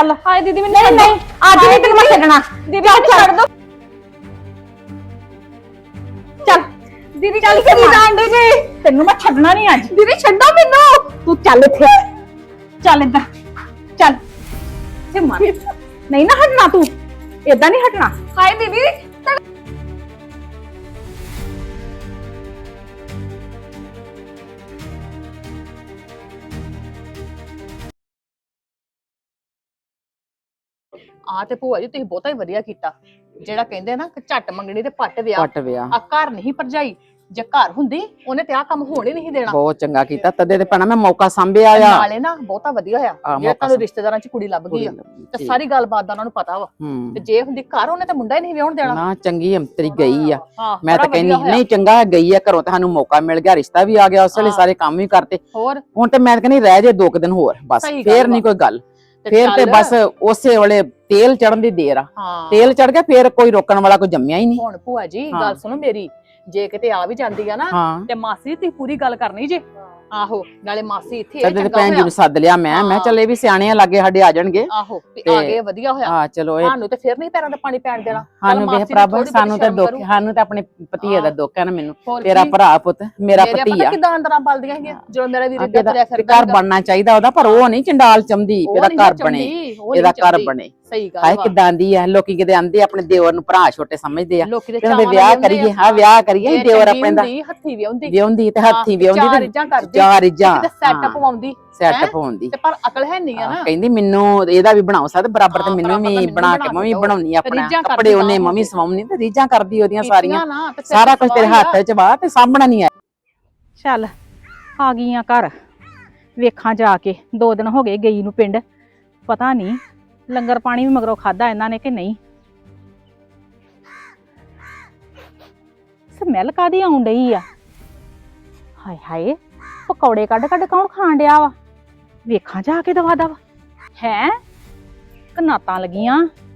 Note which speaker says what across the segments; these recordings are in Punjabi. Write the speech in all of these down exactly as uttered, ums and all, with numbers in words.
Speaker 1: ਚੱਲ।
Speaker 2: ਹਾਏ ਦੀਦੀ ਮੈਨੂੰ
Speaker 1: ਨਹੀਂ ਨਹੀਂ ਅੱਜ ਨਹੀਂ ਤੈਨੂੰ ਮੈਂ ਛੱਡਣਾ।
Speaker 2: ਦੀਦੀ ਮੈਨੂੰ ਛੱਡ ਦੋ।
Speaker 1: ਚੱਲ
Speaker 2: ਦੀਦੀ
Speaker 1: ਚੱਲ ਕਰੀ ਜਾਂਦੇ ਜੀ, ਤੈਨੂੰ ਮੈਂ ਛੱਡਣਾ ਨਹੀਂ ਅੱਜ।
Speaker 2: ਦੀਦੀ ਛੱਡੋ ਮੈਨੂੰ।
Speaker 1: ਤੂੰ ਚੱਲ ਇੱਥੇ, ਚੱਲ ਇੱਧਰ ਚੱਲ ਤੇ ਮਾਰ। ਨਹੀਂ ਨਾ ਹਟਣਾ ਤੂੰ, ਏਦਾਂ ਨਹੀਂ ਹਟਣਾ।
Speaker 2: ਹਾਏ ਦੀਦੀ ਆ ਤੇ ਭੂਆ ਜੀ ਤੁਸੀਂ ਬਹੁਤਾ ਹੀ ਵਧੀਆ ਕੀਤਾ। ਜਿਹੜਾ ਕਹਿੰਦੇ ਨਾ ਕਿ ਝੱਟ ਮੰਗਣੀ ਤੇ ਪੱਟ ਵਿਆਹ,
Speaker 3: ਪੱਟ ਵਿਆਹ
Speaker 2: ਆ ਘਰ ਨਹੀਂ ਭਰਜਾਈ। ਜੇ ਘਰ ਹੁੰਦੀ ਉਹਨੇ ਤੇ ਆ ਕੰਮ ਹੋਣ ਹੀ ਨਹੀਂ ਦੇਣਾ।
Speaker 3: ਬਹੁਤ ਚੰਗਾ ਕੀਤਾ, ਤਦੇ ਤੇ ਭੈਣਾ ਮੈਂ ਮੌਕਾ ਸੰਭਿਆ ਆ।
Speaker 2: ਨਾਲੇ ਨਾ ਬਹੁਤਾ ਵਧੀਆ ਹੋਇਆ
Speaker 3: ਆ,
Speaker 2: ਜੇ
Speaker 3: ਮੌਕਾ
Speaker 2: ਤੁਹਾਨੂੰ ਰਿਸ਼ਤੇਦਾਰਾਂ ਚ ਕੁੜੀ ਲੱਭ ਗਈ ਆ ਤੇ ਸਾਰੀ ਗੱਲਬਾਤ ਦਾ ਉਹਨਾਂ ਨੂੰ ਪਤਾ ਵਾ।
Speaker 3: ਹੂੰ
Speaker 2: ਤੇ ਜੇ ਹੁੰਦੀ ਘਰ ਉਹਨੇ ਤੇ ਮੁੰਡਾ ਹੀ ਨਹੀਂ ਵਿਆਹਣ ਦੇਣਾ।
Speaker 3: ਨਾ ਚੰਗੀ ਅੰਤਰੀ ਗਈ ਆ।
Speaker 2: ਹਾਂ,
Speaker 3: ਮੈਂ
Speaker 2: ਬੜਾ
Speaker 3: ਤਾਂ ਕਹਿੰਦੀ
Speaker 2: ਵਧੀਆ ਹੋਇਆ।
Speaker 3: ਨਹੀਂ ਚੰਗਾ ਗਈ ਆ ਘਰੋਂ, ਤੁਹਾਨੂੰ ਮੌਕਾ ਮਿਲ ਗਿਆ, ਰਿਸ਼ਤਾ ਵੀ ਆ ਗਿਆ, ਉਸ ਵੇਲੇ
Speaker 2: ਹਾਂ।
Speaker 3: ਸਾਰੇ ਕੰਮ ਵੀ ਕਰਤੇ।
Speaker 2: ਹੋਰ
Speaker 3: ਹੁਣ ਤੇ ਮੈਂ ਤਾਂ ਕਹਿੰਦੀ ਰਹਿ ਜੇ ਦੋ ਕੁ ਦਿਨ ਹੋਰ ਬਸ,
Speaker 2: ਸਹੀ ਗੱਲ
Speaker 3: ਫੇਰ
Speaker 2: ਵਾ।
Speaker 3: ਨਹੀਂ ਕੋਈ ਗੱਲ।
Speaker 2: ਤੇ
Speaker 3: ਫੇਰ ਤੇ
Speaker 2: ਚੱਲ।
Speaker 3: ਬਸ ਉਸੇ ਵੇਲੇ ਤੇਲ ਚੜਨ ਦੀ ਦੇਰ ਆ।
Speaker 2: ਹਾਂ
Speaker 3: ਤੇਲ ਚੜ ਗਿਆ ਫੇਰ ਕੋਈ ਰੋਕਣ ਵਾਲਾ ਕੋਈ ਜੰਮਿਆ ਹੀ ਨਹੀਂ।
Speaker 2: ਹੁਣ ਭੂਆ ਜੀ
Speaker 3: ਹਾਂ।
Speaker 2: ਗੱਲ ਸੁਣੋ ਮੇਰੀ, ਜੇ ਕਿਤੇ ਆ ਵੀ ਜਾਂਦੀ ਆ ਨਾ
Speaker 3: ਹਾਂ
Speaker 2: ਤੇ ਮਾਸੀ ਤੁਸੀਂ ਪੂਰੀ ਗੱਲ ਕਰਨੀ ਜੇ। ਆਹੋ ਨਾਲੇ ਮਾਸੀ ਇੱਥੇ ਆ,
Speaker 3: ਤਦੇ ਤੇ
Speaker 2: ਚੰਗਾ
Speaker 3: ਭੈਣ ਜੀ
Speaker 2: ਹੋਇਆ।
Speaker 3: ਨੂੰ ਸੱਦ ਲਿਆ ਮੈਂ ਮੈਂ ਚੱਲ ਇਹ ਵੀ ਸਿਆਣੇ ਆ, ਲਾਗੇ ਸਾਡੇ ਆ ਜਾਣਗੇ।
Speaker 2: ਆਹੋ ਵੀ
Speaker 3: ਤੇ-
Speaker 2: ਆ ਗਏ ਵਧੀਆ ਹੋਇਆ।
Speaker 3: ਹਾਂ ਚਲੋ ਇਹ
Speaker 2: ਸਾਨੂੰ ਤੇ ਫਿਰ ਨਹੀਂ ਪੈਰਾਂ ਤੇ ਪਾਣੀ ਪੈਣ ਦੇਣਾ। ਚੱਲ
Speaker 3: ਸਾਨੂੰ ਵੇਖ
Speaker 2: ਮਾਸੀ ਦੀ
Speaker 3: ਪ੍ਰਭ,
Speaker 2: ਥੋੜ੍ਹੀ
Speaker 3: ਸਾਨੂੰ ਤਾਂ
Speaker 2: ਬਹੁਤੀ
Speaker 3: ਦੁੱਖ,
Speaker 2: ਸ਼ਰਮ
Speaker 3: ਸਾਨੂੰ ਤਾਂ ਆਪਣੇ ਭਤੀਏ ਦਾ
Speaker 2: ਹਾਂ।
Speaker 3: ਦੁੱਖ ਹੈ ਨਾ। ਮੈਨੂੰ
Speaker 2: ਹੋਰ
Speaker 3: ਤੇਰਾ
Speaker 2: ਕੀ?
Speaker 3: ਭਰਾ ਪੁੱਤ ਮੇਰਾ
Speaker 2: ਮੇਰੇ
Speaker 3: ਭਤੀਆ
Speaker 2: ਪਤਾ ਕਿਦਾਂ ਅੰਦਰਾਂ ਬਲਦੀਆਂ ਹੈਗੀਆਂ ਜਦੋਂ ਮੇਰਾ ਵੀਰ ਇੱਦਾਂ ਤੁਰਿਆ
Speaker 3: ਤੇ
Speaker 2: ਫਿਰਦਾ
Speaker 3: ਘਰ ਬਣਨਾ ਚਾਹੀਦਾ ਉਹਦਾ, ਪਰ ਉਹ ਨਹੀਂ ਚੰਡਾਲ ਚੰਦੀ
Speaker 2: ਉਹ
Speaker 3: ਇਹਦਾ
Speaker 2: ਨਹੀਂ
Speaker 3: ਘਰ
Speaker 2: ਚਾਹੁੰਦੀ,
Speaker 3: ਬਣੇ,
Speaker 2: ਉਹ ਨਹੀਂ
Speaker 3: ਇਹਦਾ ਘਰ
Speaker 2: ਚਾਹੁੰਦੀ।
Speaker 3: ਬਣੇ।
Speaker 2: ਸਹੀ ਗੱਲ
Speaker 3: ਹਾਏ
Speaker 2: ਵਾ।
Speaker 3: ਕਿਦਾਂ ਦੀ ਆ, ਲੋਕੀ ਕਿਤੇ ਆਂਦੇ ਆਪਣੇ ਦੇਵਰ ਨੂੰ ਭਰਾ ਛੋਟੇ ਸਮਝਦੇ ਆ।
Speaker 2: ਲੋਕੀ ਦੇ
Speaker 3: ਕਹਿੰਦੇ
Speaker 2: ਚਾਵਾਂ
Speaker 3: ਵਿਆਹ
Speaker 2: ਨਾਲ
Speaker 3: ਕਰੀਏ, ਹਾਂ ਵਿਆਹ ਕਰੀਏ,
Speaker 2: ਜੇ
Speaker 3: ਦੇਵਰ
Speaker 2: ਚੰਗੀ
Speaker 3: ਆਪਣੇ ਦਾ
Speaker 2: ਹੁੰਦੀ, ਹੱਥੀ ਵਿਆਹੁੰਦੀ
Speaker 3: ਵਿਆਹੁੰਦੀ ਤੇ ਹੱਥੀ ਵਿਆਹੁੰਦੀ
Speaker 2: ਚਾਰ
Speaker 3: ਤੇ
Speaker 2: ਇੱਜਾਂ ਕਰਦੀ,
Speaker 3: ਚਾਰ ਇੱਜਾਂ
Speaker 2: ਤੇ ਸੈਟਅਪ ਪਾਉਂਦੀ
Speaker 3: ਸੈਟਅਪ ਹੁੰਦੀ।
Speaker 2: ਤੇ ਪਰ ਅਕਲ ਹੈ ਨਹੀਂ ਆ ਨਾ।
Speaker 3: ਕਹਿੰਦੀ ਮੈਨੂੰ ਇਹਦਾ ਵੀ ਬਣਾਓ ਸਾਦ ਬਰਾਬਰ, ਤੇ
Speaker 2: ਹਾਂ,
Speaker 3: ਮੈਨੂੰ
Speaker 2: ਬਰਾਬਰ
Speaker 3: ਵੀ
Speaker 2: ਤਾਂ ਮੈਨੂੰ
Speaker 3: ਬਣਾ
Speaker 2: ਬਣਾ
Speaker 3: ਕੇ ਮੈਂ ਵੀ
Speaker 2: ਕੇ
Speaker 3: ਬਣਾਉਣੀ ਆਪਣਾ
Speaker 2: ਰੀਝਾਂ ਕਰਦੀ
Speaker 3: ਕੱਪੜੇ, ਉਹਨੇ
Speaker 2: ਤਾਂ
Speaker 3: ਮੰਮੀ ਸਵਾਉਣੀ ਤੇ ਰੀਝਾਂ ਕਰਦੀ ਉਹਦੀਆਂ ਸਾਰੀਆਂ,
Speaker 2: ਕੀਤੀਆਂ ਨਾ ਤੇ ਫਿਰ
Speaker 3: ਸਾਰਾ ਕੁਝ ਤੇਰੇ
Speaker 2: ਸਵਾਲ
Speaker 3: ਹੱਥ
Speaker 2: ਆ।
Speaker 3: ਚ ਵਾ ਤੇ ਸਾਂਭਣਾ ਨਹੀਂ ਆ।
Speaker 1: ਚੱਲ ਆ ਗਈਆਂ ਘਰ, ਵੇਖਾਂ ਜਾ ਕੇ। ਦੋ ਦਿਨ ਹੋ ਗਏ ਗਈ ਨੂੰ ਪਿੰਡ, ਪਤਾ ਨਹੀਂ ਲੰਗਰ ਪਾਣੀ ਵੀ ਮਗਰੋਂ ਖਾਦਾ ਇਹਨਾਂ ਨੇ ਕਿ ਨਹੀਂ। ਸਮੈਲ ਕਾਦੀ ਆਉਣ ਡਈ ਆ? ਹਾਏ ਹਾਏ, ਪਕੌੜੇ ਕੱਢ ਕੱਢ ਕੌਣ ਖਾਣ ਡਿਆ ਵਾ? ਵੇਖਾਂ ਜਾ ਕੇ ਦਵਾ ਦਵਾ। ਹੈ ਕਨਾਤਾਂ ਲੱਗੀਆਂ,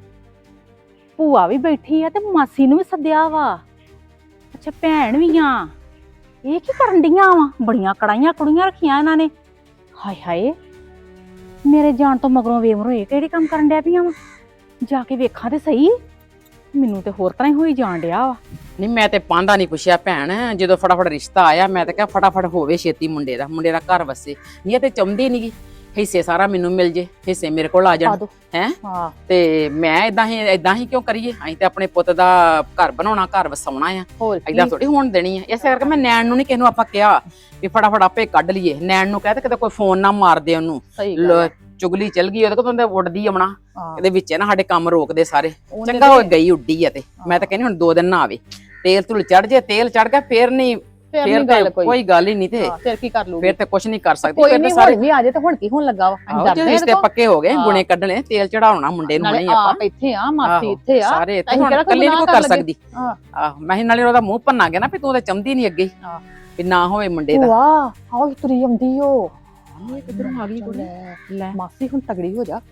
Speaker 1: ਭੂਆ ਵੀ ਬੈਠੀ ਆ ਤੇ ਮਾਸੀ ਨੂੰ ਵੀ ਸੱਦਿਆ ਵਾ। ਅੱਛਾ ਭੈਣ ਵੀ ਆ। ਇਹ ਕੀ ਕਰਨ ਡੀਆਂ ਵਾ? ਬੜੀਆਂ ਕੜਾਈਆਂ ਕੁੜੀਆਂ ਰੱਖੀਆਂ ਇਹਨਾਂ ਨੇ। ਹਾਏ ਹਾਏ, ਮੇਰੇ ਜਾਣ ਤੋਂ ਮਗਰੋਂ ਵੇਮਰੋ ਇਹ ਕਿਹੜੀ ਕੰਮ ਕਰਨ ਡਿਆ ਪਈਆਂ ਵਾ? ਜਾ ਕੇ ਵੇਖਾਂ ਤੇ ਸਹੀ, ਮੈਨੂੰ ਤੇ ਹੋਰ ਤਰ੍ਹਾਂ ਹੀ ਹੋਈ ਜਾਣ ਡਿਆ ਵਾ।
Speaker 3: ਨਹੀਂ ਮੈਂ ਤੇ ਪਾਂਦਾ ਨਹੀਂ ਪੁੱਛਿਆ ਭੈਣ, ਜਦੋਂ ਫਟਾਫਟ ਰਿਸ਼ਤਾ ਆਇਆ ਮੈਂ ਤਾਂ ਕਿਹਾ ਫਟਾਫਟ ਹੋਵੇ ਛੇਤੀ, ਮੁੰਡੇ ਦਾ ਮੁੰਡੇ ਦਾ ਘਰ ਵਸੇ। ਨਹੀਂ ਇਹ ਤੇ ਚਾਹੁੰਦੀ ਨਹੀਂਗੀ ਹਿੱਸੇ ਸਾਰਾ ਮੈਨੂੰ ਮਿਲ ਜੇ, ਹਿੱਸੇ ਮੇਰੇ ਕੋਲ ਆ ਜਾਣ ਹੈ।
Speaker 2: ਹਾਂ
Speaker 3: ਤੇ ਮੈਂ ਇਦਾਂ ਹੀ ਇਦਾਂ ਹੀ ਕਿਉਂ ਕਰੀਏ? ਅਸੀਂ ਤੇ ਆਪਣੇ ਪੁੱਤ ਦਾ ਘਰ ਬਣਾਉਣਾ, ਘਰ ਵਸਾਉਣਾ ਆ,
Speaker 2: ਹੋਰ
Speaker 3: ਇਦਾਂ ਥੋੜੀ ਹੋਣ ਦੇਣੀ ਆ। ਇਸੇ ਕਰਕੇ ਮੈਂ ਨੈਣ ਨੂੰ ਨਹੀਂ ਕਿਸੇ ਨੂੰ ਆਪਾਂ ਕਿਹਾ ਵੀ ਫਟਾਫਟ ਆਪੇ ਕੱਢ ਲਈਏ। ਨੈਣ ਨੂੰ ਕਹਿ ਤੇ ਕਿਤੇ ਕੋਈ ਫੋਨ ਨਾ ਮਾਰ ਦੇ ਉਹਨੂੰ,
Speaker 2: ਸਹੀ ਗੱਲ ਆ।
Speaker 3: ਚੁਗਲੀ ਚਲ ਗਈ ਉਹਦੇ ਕੋਲ ਤਾਂ ਉੱਡਦੀ ਆਉਣਾ,
Speaker 2: ਹਾਂ।
Speaker 3: ਇਹਦੇ ਵਿੱਚ ਨਾ ਸਾਡੇ ਕੰਮ ਰੋਕਦੇ ਸਾਰੇ।
Speaker 2: ਉਹਨੇ
Speaker 3: ਚੰਗਾ ਹੋ
Speaker 2: ਤੇ-
Speaker 3: ਗਈ ਉੱਡੀ ਆ ਤੇ ਮੈਂ ਤਾਂ ਕਹਿੰਦੀ ਹੁਣ ਦੋ ਦਿਨ ਨਾ ਆਵੇ। ਤੇਲ ਤੁਲ ਚੜ ਜੇ, ਤੇਲ ਚੜ ਗਿਆ ਫੇਰ ਨਹੀਂ,
Speaker 2: ਫਿਰ
Speaker 3: ਫੇਰ
Speaker 2: ਨਹੀਂ ਗੱਲ
Speaker 3: ਤੇ
Speaker 2: ਕੋਈ।
Speaker 3: ਕੋਈ ਗੱਲ ਹੀ ਨਹੀਂ ਤੇ
Speaker 2: ਹਾਂ, ਫਿਰ ਕੀ ਕਰ ਲੂਗੀ?
Speaker 3: ਫੇਰ ਤੇ ਕੁਝ ਨਹੀਂ ਕਰ ਸਕਦੀ।
Speaker 2: ਕੋਈ
Speaker 3: ਫਿਰ
Speaker 2: ਨਹੀਂ,
Speaker 3: ਤਾਂ ਸਾਰੇ
Speaker 2: ਹੁਣ ਵੀ ਆ ਜੇ ਤੇ ਹੁਣ ਕੀ ਹੋਣ ਲੱਗਾ ਵਾ? ਅਸੀਂ
Speaker 3: ਆਹੋ,
Speaker 2: ਡਰਦੇ
Speaker 3: ਜੇ
Speaker 2: ਆ
Speaker 3: ਰਿਸ਼ਤੇ
Speaker 2: ਇਹਦੇ
Speaker 3: ਪੱਕੇ ਹੋ ਗਏ,
Speaker 2: ਹਾਂ।
Speaker 3: ਗੁਣੇ ਕੱਢਣੇ, ਤੇਲ ਚੜਾਉਣਾ ਮੁੰਡੇ ਨੂੰ
Speaker 2: ਨਾਲੇ
Speaker 3: ਨਹੀਂ ਆਪਾਂ।
Speaker 2: ਆਪ ਇੱਥੇ ਆ, ਮਾਸੀ
Speaker 3: ਆਹੋ,
Speaker 2: ਇੱਥੇ ਆ,
Speaker 3: ਸਾਰੇ ਇੱਥੇ
Speaker 2: ਅਸੀਂ
Speaker 3: ਹੁਣ
Speaker 2: ਕਿਹੜਾ ਕੋਈ
Speaker 3: ਇਕੱਲੀ ਨਹੀਂ
Speaker 2: ਗੁਨਾਹ
Speaker 3: ਕਰ
Speaker 2: ਕਰ
Speaker 3: ਸਕਦੀ।
Speaker 2: ਹਾਂ।
Speaker 3: ਆਹ ਮੈਂ ਨਾਲੇ ਉਹਦਾ ਮੂੰਹ ਭੰਨਾ ਗਿਆ ਨਾ ਵੀ ਤੂੰ ਤਾਂ ਚਾਹੁੰਦੀ ਨਹੀਂ ਅੱਗੇ
Speaker 2: ਹਾਂ।
Speaker 3: ਵੀ ਨਾ ਹੋਵੇ ਮੁੰਡੇ ਦਾ।
Speaker 2: ਵਾਹ ਆਹ ਤੁਰੀ ਆਉਂਦੀ ਓ।
Speaker 3: ਇਹ ਕਿੱਧਰੋਂ ਆ ਗਈ ਕੁੜੀ? ਲੈ
Speaker 2: ਮਾਸੀ ਹੁਣ ਤਗੜੀ ਹੋ ਜਾ।